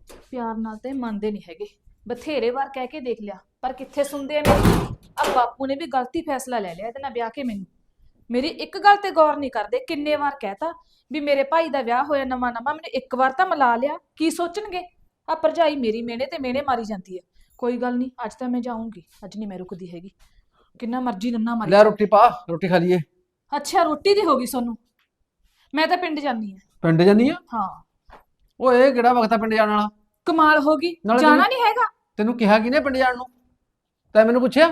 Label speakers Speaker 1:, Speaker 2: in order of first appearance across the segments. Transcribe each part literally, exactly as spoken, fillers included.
Speaker 1: ਪਿਆਰ ਨਾਲ ਤੇ ਮੰਨਦੇ ਨਹੀਂ ਹੈਗੇ। ਬਥੇਰੇ ਵਾਰ ਕਹਿ ਕੇ ਦੇਖ ਲਿਆ ਪਰ ਕਿੱਥੇ ਸੁਣਦੇ ਆ ਮੇਰੀ। ਆ ਬਾਪੂ ਨੇ ਵੀ ਗਲਤੀ ਫੈਸਲਾ ਲੈ ਲਿਆ ਇਹਦੇ ਨਾਲ ਵਿਆਹ ਕੇ ਮੈਨੂੰ। ਮੇਰੀ ਇੱਕ ਗੱਲ ਤੇ ਗੌਰ ਨਹੀਂ ਕਰਦੇ। ਕਿੰਨੇ ਵਾਰ ਕਹਿਤਾ ਵੀ ਮੇਰੇ ਭਾਈ ਦਾ ਵਿਆਹ ਹੋਇਆ ਨਵਾਂ ਨਵਾਂ, ਮੈਨੂੰ ਇੱਕ ਵਾਰ ਤਾਂ ਮਿਲਾ ਲਿਆ। ਕੀ ਸੋਚਣਗੇ? ਆ ਭਰਜਾਈ ਮੇਰੀ ਮੇਨੇ ਤੇ ਮੇਨੇ ਮਾਰੀ ਜਾਂਦੀ ਹੈ। ਕੋਈ ਗੱਲ ਨਹੀਂ, ਅੱਜ ਤਾਂ ਮੈਂ ਜਾਊਂਗੀ, ਅੱਜ ਨਹੀਂ ਮੈਂ ਰੁਕਦੀ ਹੈਗੀ। ਕਿੰਨਾ ਮਰਜ਼ੀ ਨੰਨਾ ਮਾਰੀ
Speaker 2: ਲੈ
Speaker 1: ਜਾਓ।
Speaker 2: ਰੋਟੀ ਪਾ, ਰੋਟੀ ਖਾ ਲਈਏ।
Speaker 1: ਅੱਛਾ ਰੋਟੀ ਦੀ ਹੋ ਗਈ ਸੋਨੂੰ। ਮੈਂ ਤਾਂ ਪਿੰਡ ਜਾਨੀ ਆ।
Speaker 2: ਪਿੰਡ ਜਾਨੀ ਆ?
Speaker 1: ਹਾਂ।
Speaker 2: ਓਏ ਕਿਹੜਾ ਵਕਤ ਆ ਪਿੰਡ ਜਾਣ ਵਾਲਾ?
Speaker 1: ਕਮਾਲ ਹੋ ਗਈ,
Speaker 2: ਨਾਲੇ
Speaker 1: ਜਾਣਾ
Speaker 2: ਤੈਨੂੰ-
Speaker 1: ਨਹੀਂ ਹੈਗਾ?
Speaker 2: ਤੈਨੂੰ ਕਿਹਾ ਕਿਹਨੇ ਪਿੰਡ ਜਾਣ ਨੂੰ? ਤੈਂ ਮੈਨੂੰ ਪੁੱਛਿਆ?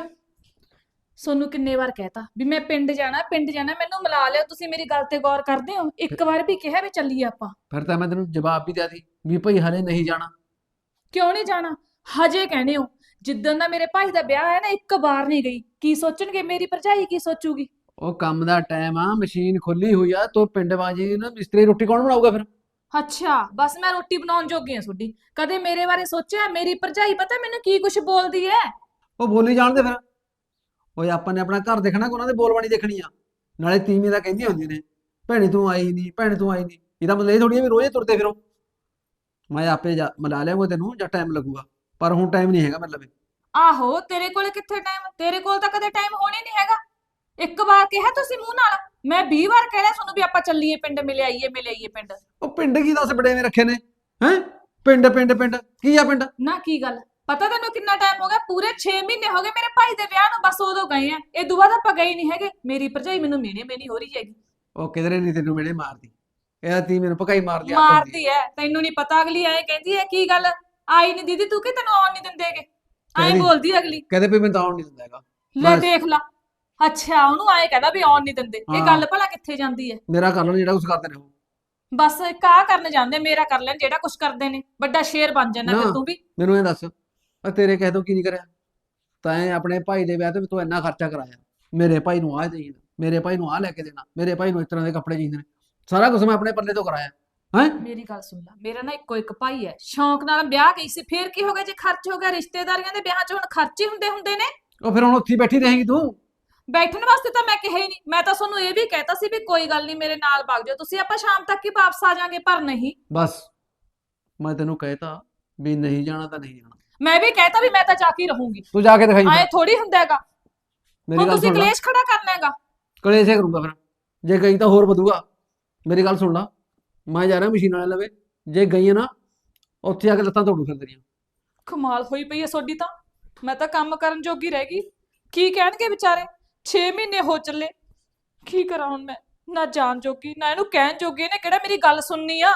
Speaker 1: ਸੋਨੂੰ ਕਿੰਨੇ ਵਾਰ ਕਹਿਤਾ ਵੀ ਮੈਂ ਪਿੰਡ ਜਾਣਾ ਪਿੰਡ ਜਾਣਾ, ਮੈਨੂੰ ਮਿਲਾ ਲਿਓ। ਤੁਸੀਂ ਮੇਰੀ ਗੱਲ ਤੇ ਗੌਰ ਕਰਦੇ ਹੋ? ਇੱਕ ਵਾਰ ਵੀ ਕਿਹਾ ਵੀ ਚੱਲੀਏ ਆਪਾਂ।
Speaker 2: ਫਿਰ ਤਾਂ ਮੈਂ ਤੈਨੂੰ ਜਵਾਬ ਵੀ ਦਿਆ ਸੀ ਵੀ ਭਾਈ ਹਲੇ ਨਹੀਂ ਜਾਣਾ।
Speaker 1: ਕਿਉਂ ਨਹੀਂ ਜਾਣਾ? ਹਜੇ ਕਹਿੰਦੇ ਹੋ। ਜਿੱਦਣ ਦਾ ਮੇਰੇ ਭਾਈ ਦਾ ਵਿਆਹ ਹੈ ਨਾ, ਇੱਕ ਵਾਰ ਨਹੀਂ ਗਈ। ਕੀ ਸੋਚਣਗੇ ਮੇਰੀ ਭਰਜਾਈ, ਕੀ ਸੋਚੂਗੀ?
Speaker 2: ਉਹ ਕੰਮ ਦਾ ਟਾਈਮ ਆ, ਮਸ਼ੀਨ ਖੁੱਲੀ ਹੋਈ ਆ, ਤੂੰ ਪਿੰਡ ਬਾਜੀ ਨਾ ਮਿਸਤਰੀ ਰੋਟੀ ਕੌਣ ਬਣਾਊਗਾ ਫਿਰ?
Speaker 1: ਅੱਛਾ ਬਸ ਮੈਂ ਰੋਟੀ ਬਣਾਉਣ ਜੋਗੀ ਆ ਤੁਹਾਡੀ। ਕਦੇ ਮੇਰੇ ਬਾਰੇ ਸੋਚਿਆ? ਮੇਰੀ ਭਰਜਾਈ ਪਤਾ ਮੈਨੂੰ ਕੀ ਕੁਛ ਬੋਲਦੀ ਹੈ।
Speaker 2: ਉਹ ਬੋਲੀ ਜਾਣ ਦੇ ਫਿਰ। ਓਏ ਆਪਾਂ ਨੇ ਆਪਣਾ ਘਰ ਦੇਖਣਾ ਕਿ ਉਹਨਾਂ ਦੇ ਬੋਲਬਾਣੀ ਦੇਖਣੀ ਆ? ਨਾਲੇ ਤੀਵੀਂ ਦਾ ਕਹਿੰਦੀਆਂ ਹੁੰਦੀਆਂ ਨੇ ਭੈਣੇ ਤੂੰ ਆਈ ਨਹੀਂ, ਭੈਣੇ ਤੂੰ ਆਈ ਨਹੀਂ। ਇਹਦਾ ਮਤਲਬ ਇਹ ਥੋੜੀ ਵੀ ਰੋਜ਼ ਤੁਰਦੇ ਫਿਰੋ। ਮੈਂ ਆਪੇ ਜਾ ਮਿਲਾ ਲਿਆਉਂਗਾ ਤੈਨੂੰ, ਜਾਂ ਟਾਈਮ ਲੱਗੂਗਾ, ਪਰ ਹੁਣ ਟਾਈਮ ਨਹੀਂ ਹੈਗਾ ਮਤਲਬ।
Speaker 1: ਆਹੋ ਤੇਰੇ ਕੋਲ ਕਿੱਥੇ ਟਾਈਮ? ਤੇਰੇ ਕੋਲ ਤਾਂ ਕਦੇ ਟਾਈਮ ਹੋਣੇ ਨਹੀਂ ਹੈਗਾ। ਇੱਕ ਵਾਰ ਕਿਹਾ ਤੁਸੀਂ ਮੂੰਹ ਨਾਲ, ਮੈਂ ਵੀਹ ਵਾਰ ਕਹਿ ਰਿਹਾ ਤੁਹਾਨੂੰ ਵੀ ਆਪਾਂ ਚੱਲੀਏ ਪਿੰਡ, ਮਿਲ ਆਈਏ ਮਿਲ ਆਈਏ ਪਿੰਡ।
Speaker 2: ਉਹ ਪਿੰਡ ਕੀ ਦੱਸ ਬੜੇਵੇਂ ਰੱਖੇ ਨੇ ਹੈ? ਪਿੰਡ ਪਿੰਡ ਪਿੰਡ ਕੀ ਆ ਪਿੰਡ?
Speaker 1: ਨਾ ਕੀ ਗੱਲ ਪਤਾ ਤੈਨੂੰ ਕਿੰਨਾ ਟਾਈਮ ਹੋ ਗਿਆ? ਪੂਰੇ ਛੇ ਮਹੀਨੇ ਹੋ ਗਏ ਮੇਰੇ ਭਾਈ ਦੇ ਵਿਆਹ ਨੂੰ, ਬਸ ਉਦੋਂ ਗਏ ਆ। ਇਹ ਤੋਂ ਬਾਅਦ ਆਪਾਂ ਗਏ ਨਹੀਂ ਹੈਗੇ। ਮੇਰੀ ਭਰਜਾਈ ਮੈਨੂੰ ਮੇਨੇ ਮੇਨੀ ਹੋ ਰਹੀ ਹੈਗੀ।
Speaker 2: ਉਹ ਕਿਧਰੇ ਨਹੀਂ ਤੈਨੂੰ ਮੇਰੇ ਮਾਰਦੀ, ਇਹ ਤੀ ਮੈਨੂੰ ਪਕਾਈ ਮਾਰਦੀ ਆ।
Speaker 1: ਮਾਰਦੀ ਐ ਤੈਨੂੰ ਨਹੀਂ ਪਤਾ। ਅਗਲੀ ਐ ਕਹਿੰਦੀ ਐ ਕੀ ਗੱਲ ਆਈ ਨਹੀਂ ਦੀਦੀ ਤੂੰ, ਕਿ ਤੈਨੂੰ ਆਉਣ ਨਹੀਂ ਦਿੰਦੇਗੇ? ਐਂ
Speaker 2: ਕਹਿੰਦੀ-
Speaker 1: ਬੋਲਦੀ ਅਗਲੀ।
Speaker 2: ਕਹਿੰਦੇ ਵੀ ਮੈਂ ਤਾਂ ਆਉਣ ਨਹੀਂ ਦਿੰਦਾ ਹੈਗਾ।
Speaker 1: ਲੈ
Speaker 2: ਬਸ।
Speaker 1: ਦੇਖ ਲਾ। ਅੱਛਾ ਉਹਨੂੰ ਆਏ ਕਹਿੰਦਾ ਵੀ ਆਉਣ ਨਹੀਂ ਦਿੰਦੇ। ਇਹ
Speaker 2: ਹਾਂ।
Speaker 1: ਗੱਲ ਭਲਾ ਕਿੱਥੇ ਜਾਂਦੀ ਐ?
Speaker 2: ਮੇਰਾ ਕਰ ਲੈਣ ਜਿਹੜਾ ਕੁਝ ਕਰਦੇ ਨੇ ਉਹ।
Speaker 1: ਬਸ ਇੱਕ ਆਹ ਕਰਨ ਜਾਂਦੇ, ਮੇਰਾ ਕਰ ਲੈਣ ਜਿਹੜਾ ਕੁਛ ਕਰਦੇ ਨੇ। ਵੱਡਾ ਸ਼ੇਰ ਬਣ ਜਾਣਾ ਫਿਰ
Speaker 2: ਨਾ।
Speaker 1: ਤੂੰ ਵੀ।
Speaker 2: ਮੈਨੂੰ ਇਹ ਦੱਸ, ਆ ਤੇਰੇ ਕਹਿ ਤੋਂ ਕੀ ਨਹੀਂ ਕਰਿਆ? ਤੈਂ ਆਪਣੇ ਭਾਈ ਦੇ ਵਿਆਹ ਤੇ ਤੂੰ ਇੰਨਾ ਖਰਚਾ ਕਰਾਇਆ, ਮੇਰੇ ਭਾਈ ਨੂੰ ਆਹ ਚਾਹੀਦਾ, ਮੇਰੇ ਭਾਈ ਨੂੰ ਆਹ ਲੈ ਕੇ ਦੇਣਾ, ਮੇਰੇ ਭਾਈ ਨੂੰ ਇਸ ਤਰ੍ਹਾਂ ਦੇ ਕੱਪੜੇ ਚਾਹੀਦੇ ਨੇ, ਸਾਰਾ ਕੁਝ ਮੈਂ ਆਪਣੇ ਪੱਲੇ ਤੋਂ ਕਰਾਇਆ ਹੈ।
Speaker 1: ਮੇਰੀ ਗੱਲ ਸੁਣ ਲੈ, ਮੇਰਾ ਨਾ ਇੱਕੋ ਇੱਕ ਭਾਈ ਹੈ, ਸ਼ੌਂਕ ਨਾਲ ਵਿਆਹ ਗਈ ਸੀ। ਫੇਰ ਕੀ ਹੋ ਗਿਆ ਜੇ ਖਰਚ ਹੋ ਗਿਆ? ਰਿਸ਼ਤੇਦਾਰੀਆਂ ਦੇ ਵਿਆਹ 'ਚ ਹੁਣ ਖਰਚੇ ਹੁੰਦੇ ਹੁੰਦੇ ਨੇ।
Speaker 2: ਉਹ ਫਿਰ ਹੁਣ ਉੱਥੇ ਹੀ ਬੈਠੀ ਰਹੇਗੀ ਤੂੰ?
Speaker 1: ਬੈਠਣ ਵਾਸਤੇ ਤਾਂ ਮੈਂ ਕਿਹਾ ਹੀ ਨਹੀਂ। ਮੈਂ ਤਾਂ ਤੁਹਾਨੂੰ ਇਹ ਵੀ ਕਹਿਤਾ ਸੀ ਵੀ ਕੋਈ ਗੱਲ ਨਹੀਂ ਮੇਰੇ ਨਾਲ ਵਗ ਜਾਓ ਤੁਸੀਂ, ਆਪਾਂ ਸ਼ਾਮ ਤੱਕ ਹੀ ਵਾਪਸ ਆ ਜਾਾਂਗੇ। ਪਰ ਨਹੀਂ।
Speaker 2: ਬਸ ਮੈਂ ਤੈਨੂੰ ਕਹਿਤਾ ਵੀ ਨਹੀਂ ਜਾਣਾ ਤਾਂ ਨਹੀਂ ਜਾਣਾ।
Speaker 1: ਮੈਂ ਵੀ ਕਹਿਤਾ ਵੀ ਮੈਂ ਤਾਂ ਜਾ ਕੇ ਹੀ ਰਹੂੰਗੀ।
Speaker 2: ਤੂੰ ਜਾ ਕੇ ਦਿਖਾਈ
Speaker 1: ਐ ਥੋੜੀ ਹੁੰਦਾ ਹੈਗਾ।
Speaker 2: ਮੇਰੀ
Speaker 1: ਹੁਣ
Speaker 2: ਗੱਲ
Speaker 1: ਤੁਸੀਂ
Speaker 2: ਸੁਣ ਲੈ।
Speaker 1: ਕਲੇਸ਼ ਖੜਾ ਕਰਨਾ ਹੈਗਾ।
Speaker 2: ਕਲੇਸ਼ ਹੀ ਕਰੂੰਗਾ ਫਿਰ, ਜੇ ਗਈ ਤਾਂ ਹੋਰ ਵਧੂਗਾ। ਮੇਰੀ ਗੱਲ ਸੁਣ ਲਾ, ਮੈਂ ਜਾ ਰਿਹਾ ਮਸ਼ੀਨ ਵਾਲੇ ਲਵੇ, ਜੇ ਗਈ ਹੈ ਨਾ ਉੱਥੇ ਆ ਕੇ ਲੱਤਾਂ ਤੋੜੂ ਫਿਰ ਤੇਰੀਆਂ।
Speaker 1: ਕਮਾਲ ਹੋਈ ਪਈ ਹੈ ਤੁਹਾਡੀ ਤਾਂ। ਮੈਂ ਤਾਂ ਕੰਮ ਕਰਨ ਜੋਗੀ ਰਹਿ ਗਈ। ਕੀ ਕਹਿਣਗੇ ਵਿਚਾਰੇ? ਛੇ ਮਹੀਨੇ ਹੋ ਚੱਲੇ। ਕੀ ਕਰਾਂ ਹੁਣ ਮੈਂ? ਨਾ ਜਾਣ ਜੋਗੀ ਨਾ ਇਹਨੂੰ ਕਹਿਣ ਜੋਗੀ। ਇਹਨੇ ਕਿਹੜਾ ਮੇਰੀ ਗੱਲ ਸੁਣਨੀ ਆ?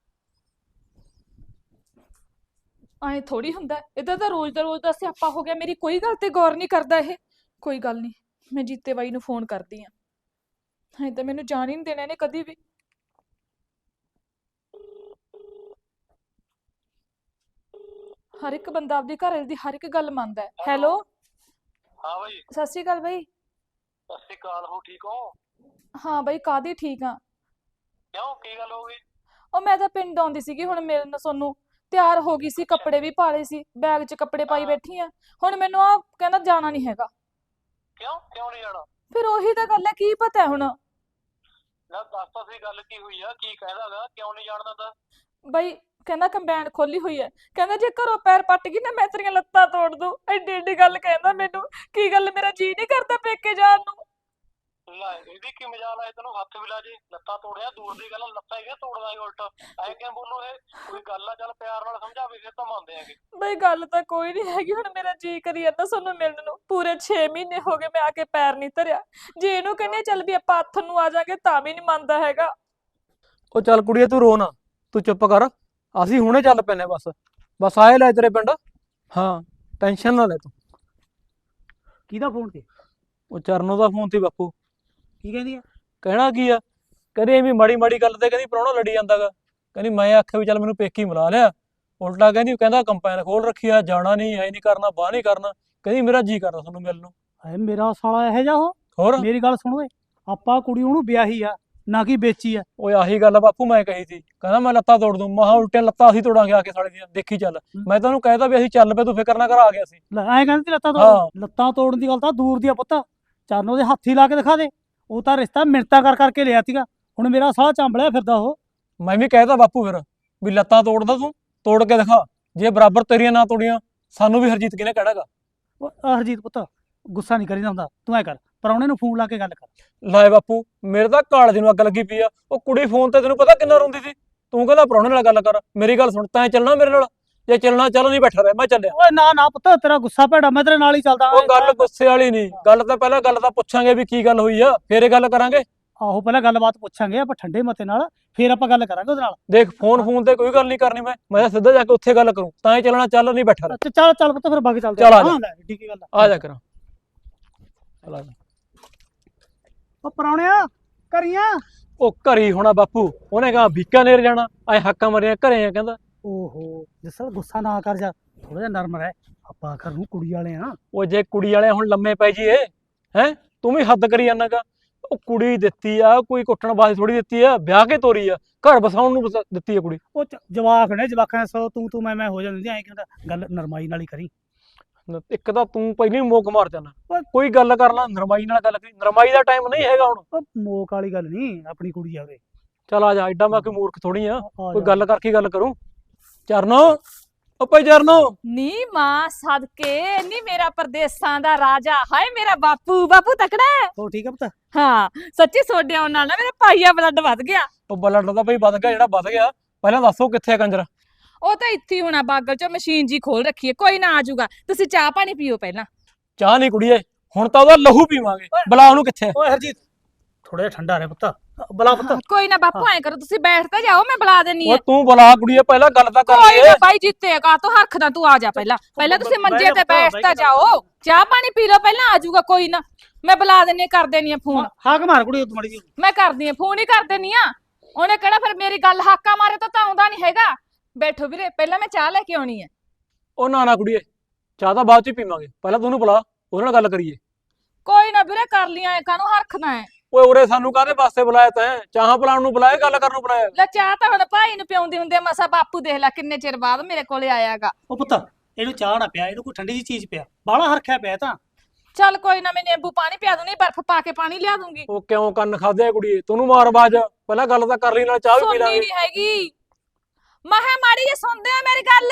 Speaker 1: ਐ ਥੋੜੀ ਹੁੰਦਾ। ਇਹਦਾ ਤਾਂ ਰੋਜ਼ ਦਾ ਰੋਜ਼ ਦਾ ਸਿਆਪਾ ਹੋ ਗਿਆ। ਮੇਰੀ ਕੋਈ ਗੱਲ ਤੇ ਗੌਰ ਨਹੀਂ ਕਰਦਾ ਇਹ। ਕੋਈ ਗੱਲ ਨਹੀਂ, ਮੈਂ ਜੀਤੇ ਬਾਈ ਨੂੰ ਫੋਨ ਕਰਦੀ ਆ। ਐ ਤਾਂ ਮੈਨੂੰ ਜਾਣ ਹੀ ਨਹੀਂ ਦੇਣਾ ਇਹਨੇ ਕਦੀ ਵੀ। ਹਰ ਇੱਕ ਬੰਦਾ ਆਪਦੀ ਘਰ ਵਾਲੀ ਦੀ ਹਰ ਇੱਕ ਗੱਲ ਮੰਨਦਾ ਹੈ। ਹੈਲੋ
Speaker 3: ਹਾਂ ਬਾਈ।
Speaker 1: ਸਤਿ ਸ਼੍ਰੀ ਅਕਾਲ ਬਾਈ।
Speaker 3: ਸਤਿ ਸ਼੍ਰੀ ਅਕਾਲ। ਹੋ ਠੀਕ ਹੋ?
Speaker 1: ਹਾਂ ਬਾਈ ਕਾਹਦੀ ਠੀਕ ਆ।
Speaker 3: ਕਿਉਂ ਕੀ ਗੱਲ ਹੋ ਗਈ?
Speaker 1: ਉਹ ਮੈਂ ਤਾਂ ਪਿੰਡ ਆਉਂਦੀ ਸੀਗੀ ਹੁਣ ਮਿਲਣ ਸੋਨੂੰ। ਤਿਆਰ ਹੋ ਗਈ ਸੀ, ਕੱਪੜੇ ਵੀ ਪਾ ਲਏ ਸੀ, ਬੈਗ 'ਚ ਕੱਪੜੇ ਪਾਈ ਬੈਠੀ ਆ। ਹੁਣ ਮੈਨੂੰ ਆ ਕਹਿੰਦਾ ਜਾਣਾ ਨਹੀਂ ਹੈਗਾ।
Speaker 3: ਕਿਉਂ ਕਿਉਂ ਨਹੀਂ ਜਾਣਾ?
Speaker 1: ਫਿਰ ਉਹੀ ਤਾਂ ਗੱਲ ਹੈ, ਕੀ ਪਤਾ ਹੁਣ।
Speaker 3: ਨਾ ਦੱਸ ਤਾਂ ਸਹੀ ਗੱਲ ਕੀ ਹੋਈ ਆ, ਕੀ ਕਹਿੰਦਾਗਾ, ਕਿਉਂ ਨਹੀਂ ਜਾਣ ਦਿੰਦਾ?
Speaker 1: ਬਾਈ ਕਹਿੰਦਾ ਕੰਬਾਈਨ ਖੋਲੀ ਹੋਈ ਹੈ। ਕਹਿੰਦਾ ਜੇ ਘਰੋਂ ਪੈਰ ਪੱਟ ਗਈ ਨਾ ਮੈਂ ਤੇਰੀਆਂ ਲੱਤਾਂ ਤੋੜ ਦੂੰ। ਐਡੀ ਐਡੀ ਗੱਲ ਕਹਿੰਦਾ ਮੈਨੂੰ। ਕੀ ਗੱਲ ਮੇਰਾ ਜੀ ਨਹੀਂ ਕਰਦਾ ਪੇਕੇ ਜਾਣ ਨੂੰ?
Speaker 3: ਲੈ ਇਹਦੀ ਕੀ ਮਜਾਲ ਆਏ, ਤੈਨੂੰ ਹੱਥ ਵੀ ਲਾ ਜੇ। ਲੱਤਾਂ ਤੋੜਿਆ ਦੂਰ ਦੀ ਗੱਲ, ਲੱਤਾਂ ਹੀ ਤੋੜਦਾ ਹੈ ਉਲਟ। ਐ ਕਿਉਂ ਬੋਲੋ? ਇਹ ਕੋਈ ਗੱਲ ਆ? ਚੱਲ ਪਿਆਰ ਨਾਲ ਸਮਝਾਵੇ ਫਿਰ ਤਾਂ ਮੰਨਦੇ ਆਂਗੇ।
Speaker 1: ਬਈ ਗੱਲ ਤਾਂ ਕੋਈ ਨਹੀਂ ਹੈਗੀ। ਹੁਣ ਮੇਰਾ ਜੀ ਕਰੀ ਜਾਂਦਾ ਤੁਹਾਨੂੰ ਮਿਲਣ ਨੂੰ। ਪੂਰੇ ਛੇ ਮਹੀਨੇ ਹੋ ਗਏ ਮੈਂ ਆ ਕੇ ਪੈਰ ਨਹੀਂ ਧਰਿਆ। ਜੇ ਇਹਨੂੰ ਕਹਿੰਦੇ ਚੱਲ ਵੀ ਆਪਾਂ ਹੱਥ ਨੂੰ ਆ ਜਾਾਂਗੇ ਤਾਂ ਵੀ ਨਹੀਂ ਮੰਨਦਾ ਹੈਗਾ।
Speaker 4: ਉਹ ਚੱਲ ਕੁੜੀਏ ਤੂੰ ਰੋ ਨਾ, ਤੂੰ ਚੁੱਪ ਕਰ। ਅਸੀਂ ਹੁਣੇ ਚੱਲ ਪੈਨੇ ਬਸ। ਬਸ ਆਏ ਲੈ ਤੇਰੇ ਪਿੰਡ। ਹਾਂ ਟੈਨਸ਼ਨ ਨਾ ਲੈ ਤੂੰ।
Speaker 5: ਕਿਹਦਾ ਫੋਨ ਤੇ?
Speaker 4: ਉਹ ਚਰਨੋਂ ਦਾ ਫੋਨ ਤੇ ਬਾਪੂ।
Speaker 5: ਕੀ ਕਹਿੰਦੀ ਆ?
Speaker 4: ਕਹਿਣਾ ਕੀ ਆ, ਕਹਿੰਦੀ ਐਵੇਂ ਮਾੜੀ ਮਾੜੀ ਗੱਲ ਤੇ ਕਹਿੰਦੀ ਪ੍ਰਾਹੁਣਾ ਲੜੀ ਜਾਂਦਾਗਾ। ਕਹਿੰਦੀ ਮੈਂ ਆਖਿਆ ਵੀ ਚੱਲ ਮੈਨੂੰ ਪੇਕੀ ਮਿਲਾ ਲਿਆ। ਉਲਟਾ ਕਹਿੰਦੀ ਕਹਿੰਦਾ ਕੰਪੈਨ ਖੋਲ ਰੱਖੀ ਆ, ਜਾਣਾ ਨਹੀਂ, ਐ ਨਹੀਂ ਕਰਨਾ, ਬਾਹ ਨਹੀਂ ਕਰਨਾ। ਕਹਿੰਦੀ ਮੇਰਾ ਜੀ ਕਰਦਾ ਤੁਹਾਨੂੰ ਮਿਲਣ ਨੂੰ।
Speaker 5: ਹਾਏ ਮੇਰਾ ਸਾਲਾ ਇਹੋ ਜਿਹਾ ਉਹ।
Speaker 4: ਹੋਰ
Speaker 5: ਮੇਰੀ ਗੱਲ ਸੁਣ ਓਏ, ਆਪਾਂ ਕੁੜੀ ਉਹਨੂੰ ਵਿਆਹੀ ਆ ਨਾ ਕਿ ਵੇਚੀ ਆ।
Speaker 4: ਓਏ ਆਹੀ ਗੱਲ ਆ ਬਾਪੂ ਮੈਂ ਕਹੀ ਸੀ। ਕਹਿੰਦਾ ਮੈਂ ਲੱਤਾਂ ਤੋੜ ਦੂੰ। ਮਹਾ ਉਲਟੀਆਂ ਲੱਤਾਂ ਅਸੀਂ ਤੋੜਾਂਗੇ ਆ ਕੇ ਸਾਲੇ ਦੀਆਂ, ਦੇਖੀ ਚੱਲ। ਮੈਂ ਤਾਂ ਉਹਨੂੰ ਕਹਿਤਾ ਵੀ ਅਸੀਂ ਚੱਲ ਪਏ, ਤੂੰ ਫਿਕਰ ਨਾ ਕਰ, ਆ ਗਿਆ ਸੀ।
Speaker 5: ਲੈ ਐਂ ਕਹਿੰਦੀ ਤੀ ਲੱਤਾਂ
Speaker 4: ਹਾਂ।
Speaker 5: ਤੋੜ। ਲੱਤਾਂ ਤੋੜਨ ਦੀ ਗੱਲ ਤਾਂ ਦੂਰ ਦੀ ਆ ਪੁੱਤ। ਚਰਨ ਉਹਦੇ ਹੱਥੀ ਲਾ ਕੇ ਦਿਖਾ ਦੇ। ਉਹ ਤਾਂ ਰਿਸ਼ਤਾ ਮਿੰਨਤਾਂ ਕਰ ਕਰਕੇ ਲਿਆ ਸੀਗਾ। ਹੁਣ ਮੇਰਾ ਸਾਲਾ ਚਾਂਬਲਿਆ ਫਿਰਦਾ ਉਹ।
Speaker 4: ਮੈਂ ਵੀ ਕਹਿਤਾ ਬਾਪੂ ਫਿਰ ਵੀ ਲੱਤਾਂ ਤੋੜਦਾ ਤੂੰ। ਤੋੜ ਕੇ ਦਿਖਾ। ਜੇ ਬਰਾਬਰ ਤੇਰੀਆਂ ਨਾ ਤੋੜੀਆਂ ਸਾਨੂੰ ਵੀ ਹਰਜੀਤ ਕਿਹਨੇ ਕਹਿਣਾਗਾ।
Speaker 5: ਉਹ ਆਹ ਹਰਜੀਤ ਪੁੱਤ ਗੁੱਸਾ ਨਹੀਂ ਕਰੀਦਾ ਹੁੰਦਾ, ਤੂੰ ਐ ਕਰ ਪ੍ਰਾਹੁਣੇ ਨੂੰ ਫੋਨ ਲਾ ਕੇ ਗੱਲ ਕਰ।
Speaker 4: ਲੈ ਬਾਪੂ ਮੇਰੇ ਤਾਂ ਕਾਲਜ ਨੂੰ ਅੱਗ ਲੱਗੀ ਪਈ ਆ। ਉਹ ਕੁੜੀ ਫੋਨ ਤੇ ਤੈਨੂੰ ਪਤਾ ਕਿੰਨਾ ਰੋਂਦੀ ਸੀ। ਤੂੰ ਕਹਿੰਦਾ ਪ੍ਰਾਹੁਣੇ ਨਾਲ ਗੱਲ ਕਰ। ਮੇਰੀ ਗੱਲ ਸੁਣ, ਤੈਂ ਚੱਲਣਾ ਮੇਰੇ ਨਾਲ? ਜੇ ਚੱਲਣਾ ਚੱਲ, ਨਹੀਂ ਬੈਠਾ ਰਹਿ, ਮੈਂ ਚੱਲਿਆ।
Speaker 5: ਓਏ ਨਾ ਨਾ ਪੁੱਤ ਤੇਰਾ ਗੁੱਸਾ ਭੈੜਾ, ਮੈਂ ਤੇਰੇ ਨਾਲ ਹੀ ਚੱਲਦਾ।
Speaker 4: ਉਹ ਗੱਲ ਗੁੱਸੇ ਵਾਲੀ ਨਹੀਂ, ਗੱਲ ਤਾਂ ਪਹਿਲਾਂ ਗੱਲ ਤਾਂ ਪੁੱਛਾਂਗੇ ਵੀ ਕੀ ਗੱਲ ਹੋਈ ਆ, ਫੇਰ ਇਹ ਗੱਲ ਕਰਾਂਗੇ।
Speaker 5: ਆਹੋ ਪਹਿਲਾਂ ਗੱਲਬਾਤ ਪੁੱਛਾਂਗੇ ਆਪਾਂ ਠੰਡੇ ਮਤੇ ਨਾਲ, ਫੇਰ ਆਪਾਂ ਗੱਲ ਕਰਾਂਗੇ ਉਹਦੇ ਨਾਲ।
Speaker 4: ਦੇਖ ਫੋਨ ਫੋਨ ਤੇ ਕੋਈ ਗੱਲ ਨਹੀਂ ਕਰਨੀ, ਮੈਂ ਮੈਂ ਤਾਂ ਸਿੱਧਾ ਜਾ ਕੇ ਉੱਥੇ ਗੱਲ ਕਰੂੰ। ਤਾਂ ਹੀ ਚੱਲਣਾ ਚੱਲ, ਨਹੀਂ ਬੈਠਾ ਰਹਿ।
Speaker 5: ਅੱਛਾ ਚੱਲ ਚੱਲ ਪੁੱਤ ਫਿਰ ਬਾਕੀ ਚੱਲਦੇ
Speaker 4: ਚੱਲ ਆ ਜਾ।
Speaker 5: ਹਾਂ ਲੈ ਠੀਕ ਗੱਲ
Speaker 4: ਆ ਜਾ ਕਰਾਂ। ਚੱਲ ਆ ਜਾ।
Speaker 5: ਉਹ ਪ੍ਰਾਹੁਣਿਆ ਕਰੀਆਂ।
Speaker 4: ਉਹ ਘਰੀ ਹੋਣਾ ਬਾਪੂ, ਉਹਨੇ ਕਹਾ ਬੀਕਾਨੇਰ ਜਾਣਾ, ਐ ਹੱਕਾਂ ਮਰੀਆਂ ਘਰੇ ਆ ਕਹਿੰਦਾ।
Speaker 5: ਓਹੋ ਜਸਲ ਗੁੱਸਾ ਨਾ ਕਰ ਜਾ, ਥੋੜਾ ਜਿਹਾ ਨਰਮ ਰਹਿ, ਆਪਾਂ ਘਰ ਨੂੰ ਕੁੜੀ ਵਾਲੇ ਆ।
Speaker 4: ਉਹ ਜੇ ਕੁੜੀ ਵਾਲੇ ਹੁਣ ਲੰਮੇ ਪੈ ਜੀਏ, ਹੈ ਤੂੰ ਵੀ ਹੱਦ ਕਰੀ ਜਾਣਾਗਾ। ਉਹ ਕੁੜੀ ਦਿੱਤੀ ਆ, ਕੋਈ ਕੁੱਟਣ ਵਾਸਤੇ ਥੋੜੀ ਦਿੱਤੀ ਆ, ਵਿਆਹ ਕੇ ਤੋਰੀ ਆ, ਘਰ ਬਸਾਉਣ ਨੂੰ ਵਸਾ- ਦਿੱਤੀ ਆ ਕੁੜੀ।
Speaker 5: ਉਹ ਚ- ਜਵਾਕ ਨੇ, ਜਵਾਕਾਂ ਸੋ ਤੂੰ ਤੂੰ ਮੈਂ ਮੈਂ ਹੋ ਜਾਂਦੀ ਐ ਕਹਿੰਦਾ, ਗੱਲ ਨਰਮਾਈ ਨਾਲ ਹੀ ਕਰੀ।
Speaker 4: ਇੱਕ ਤਾਂ ਤੂੰ ਪਹਿਲਾਂ ਹੀ ਮੋਕ ਮਾਰ ਜਾਣਾ। ਕੋਈ ਗੱਲ ਕਰ ਲਾ, ਨਰਮਾਈ ਨਾਲ ਗੱਲ ਕਰੀ। ਨਰਮਾਈ ਦਾ ਟਾਈਮ ਨਹੀਂ ਹੈਗਾ ਹੁਣ।
Speaker 5: ਉਹ ਮੋਕ ਵਾਲੀ ਗੱਲ ਨਹੀਂ, ਆਪਣੀ ਕੁੜੀ ਆਵੇ।
Speaker 4: ਚੱਲ ਆ ਜਾ, ਐਡਾ ਮੈਂ ਕੋਈ ਮੂਰਖ ਥੋੜੀ ਆ,
Speaker 5: ਆ
Speaker 4: ਕੋਈ
Speaker 5: ਜਾ।
Speaker 4: ਗੱਲ ਕਰਕੇ ਗੱਲ ਕਰੂੰ। ਚਰਨੋ ਉਹ ਭਾਈ ਚਰਨੋ,
Speaker 1: ਨੀ ਮਾਂ ਸਦਕੇ ਨੀ ਮੇਰਾ ਪਰਦੇਸਾਂ ਦਾ ਰਾਜਾ, ਹਾਏ ਮੇਰਾ ਬਾਪੂ। ਬਾਪੂ ਤਕੜਾ ਹੈ।
Speaker 5: ਹੋ ਠੀਕ ਆ ਪੁੱਤ।
Speaker 1: ਹਾਂ ਸੱਚੀ ਸੋਡੇ ਆਉਣ ਨਾਲ ਨਾ ਮੇਰਾ ਭਾਈਆ ਬਲੱਡ ਵੱਧ ਗਿਆ।
Speaker 4: ਉਹ ਬਲੱਡ ਦਾ ਭਾਈ ਵੱਧ ਗਿਆ, ਜਿਹੜਾ ਵੱਧ ਗਿਆ। ਪਹਿਲਾਂ ਦੱਸੋ ਕਿੱਥੇ ਆ ਕੰਜਰ?
Speaker 1: ਉਹ ਤਾਂ ਇੱਥੇ ਹੀ ਹੋਣਾ, ਬਾਗਲ ਚੋਂ ਮਸ਼ੀਨ ਜੀ ਖੋਲ ਰੱਖੀ ਹੈ, ਕੋਈ ਨਾ ਆ ਜਾਊਗਾ। ਤੁਸੀਂ ਚਾਹ ਪਾਣੀ ਪੀਓ ਪਹਿਲਾਂ।
Speaker 4: ਚਾਹ ਨਹੀਂ ਕੁੜੀਏ, ਹੁਣ ਤਾਂ ਉਹਦਾ ਲਹੂ ਪੀਵਾਂਗੇ। ਬੁਲਾ ਉਹਨੂੰ ਕਿੱਥੇ ਆ।
Speaker 5: ਓਏ ਹਰਜੀਤ ਥੋੜਾ ਜਿਹਾ ਠੰਡਾ ਰਹਿ ਪੁੱਤ, ਬਲਾ ਪੁੱਤ।
Speaker 1: ਕੋਈ ਨਾ ਬਾਪੂ ਐ ਕਰੋ, ਤੁਸੀਂ ਬੈਠ ਤਾਂ ਜਾਓ, ਮੈਂ ਬੁਲਾ ਦੇਣੀ
Speaker 4: ਉਹ
Speaker 1: ਹੈ।
Speaker 4: ਤੂੰ ਬੁਲਾ ਕੁੜੀਏ, ਪਹਿਲਾਂ ਗੱਲ ਤਾਂ ਕਰ
Speaker 1: ਕੋਈ
Speaker 4: ਲਈਏ।
Speaker 1: ਨਾ ਬਾਈ ਜਿੱਤੇਗਾ ਤੂੰ ਹਰਖਦਾ, ਤੂੰ ਆ ਜਾ ਪਹਿਲਾਂ। ਪਹਿਲਾਂ ਤੁਸੀਂ ਮੰਜੇ ਤੇ ਬੈਠ ਤਾਂ ਜਾਓ, ਚਾਹ ਪਾਣੀ ਪੀ ਲਓ ਪਹਿਲਾਂ, ਆ ਜਾਊਗਾ ਕੋਈ ਨਾ। ਮੈਂ ਬੁਲਾ ਦੇਣੀ, ਕਰ ਦੇਣੀ ਆ ਫੋਨ।
Speaker 5: ਹਾਕ ਮਾਰ ਕੁੜੀ ਤੂੰ ਮੜੀ ਜੀ।
Speaker 1: ਮੈਂ ਕਰਦੀ ਆ ਫੋਨ ਹੀ ਕਰ ਦੇਣੀ ਆ। ਉਹਨੇ ਕਿਹੜਾ ਫਿਰ ਮੇਰੀ ਗੱਲ ਹਾਕਾ ਮਾਰੇ ਤਾਂ ਤਾਂ ਆਉਂਦਾ ਨਹੀਂ ਹੈਗਾ। ਬੈਠੋ ਵੀਰੇ, ਪਹਿਲਾਂ ਮੈਂ ਚਾਹ ਲੈ ਕੇ ਆਉਣੀ ਹੈ।
Speaker 4: ਉਹ ਨਾ ਨਾ ਕੁੜੀਏ, ਚਾਹ ਤਾਂ ਬਾਅਦ ਚ ਹੀ ਪੀਵਾਂਗੇ, ਪਹਿਲਾਂ ਤੂੰ ਉਹਨੂੰ ਬੁਲਾ, ਉਹਦੇ ਨਾਲ ਗੱਲ ਕਰੀਏ।
Speaker 1: ਕੋਈ ਨਾ ਵੀਰੇ ਕਰ ਲੀਆਂ, ਐ ਕਾਹਨੂੰ ਹਰਖਦਾ ਹੈ।
Speaker 4: ਓਏ ਉਰੇ ਸਾਨੂੰ ਕਾਹਦੇ ਵਾਸਤੇ ਬੁਲਾਇਆ ਤੈਂ? ਚਾਹਾਂ ਪਲਾਉਣ ਨੂੰ ਬੁਲਾਇਆ, ਗੱਲ ਕਰਨ ਨੂੰ ਬੁਲਾਇਆ?
Speaker 1: ਲੈ ਚਾਹ ਤਾਂ ਹੁਣ ਭਾਈ ਨੂੰ ਪਿਆਉਂਦੇ ਹੁੰਦੇ ਆ, ਮਸਾ ਬਾਪੂ ਦੇਖ ਲੈ ਕਿੰਨੇ ਚਿਰ ਬਾਅਦ ਮੇਰੇ ਕੋਲੇ ਆਇਆਗਾ।
Speaker 5: ਉਹ ਪੁੱਤ ਇਹਨੂੰ ਚਾਹ ਨਾ ਪਿਆ, ਇਹਨੂੰ ਕੋਈ ਠੰਡੀ ਜੀ ਚੀਜ਼ ਪਿਆ, ਬਾਹਲਾ ਹਰਖਿਆ ਪਿਆ ਤਾਂ।
Speaker 1: ਚੱਲ ਕੋਈ ਨਾ, ਮੈਂ ਨਿੰਬੂ ਪਾਣੀ ਪਿਆ ਦੂੰ, ਨਹੀਂ ਬਰਫ਼ ਪਾ ਕੇ ਪਾਣੀ ਲਿਆ ਦੂੰਗੀ।
Speaker 4: ਉਹ ਕਿਉਂ ਕੰਨ ਖਾਦੇ ਆ ਕੁੜੀਏ? ਤੂੰ ਮਾਰ ਬਾਜ, ਪਹਿਲਾਂ ਗੱਲ ਤਾਂ ਕਰ ਲਈ, ਨਾਲ ਚਾਹ ਵੀ ਪੀ
Speaker 1: ਸੁਣਨੀ
Speaker 4: ਲਾਂਗੇ।
Speaker 1: ਨਹੀਂ ਹੈਗੀ। ਮਹਾ ਮਾੜੀ ਜੇ ਸੁਣਦੇ ਆ ਮੇਰੀ ਗੱਲ।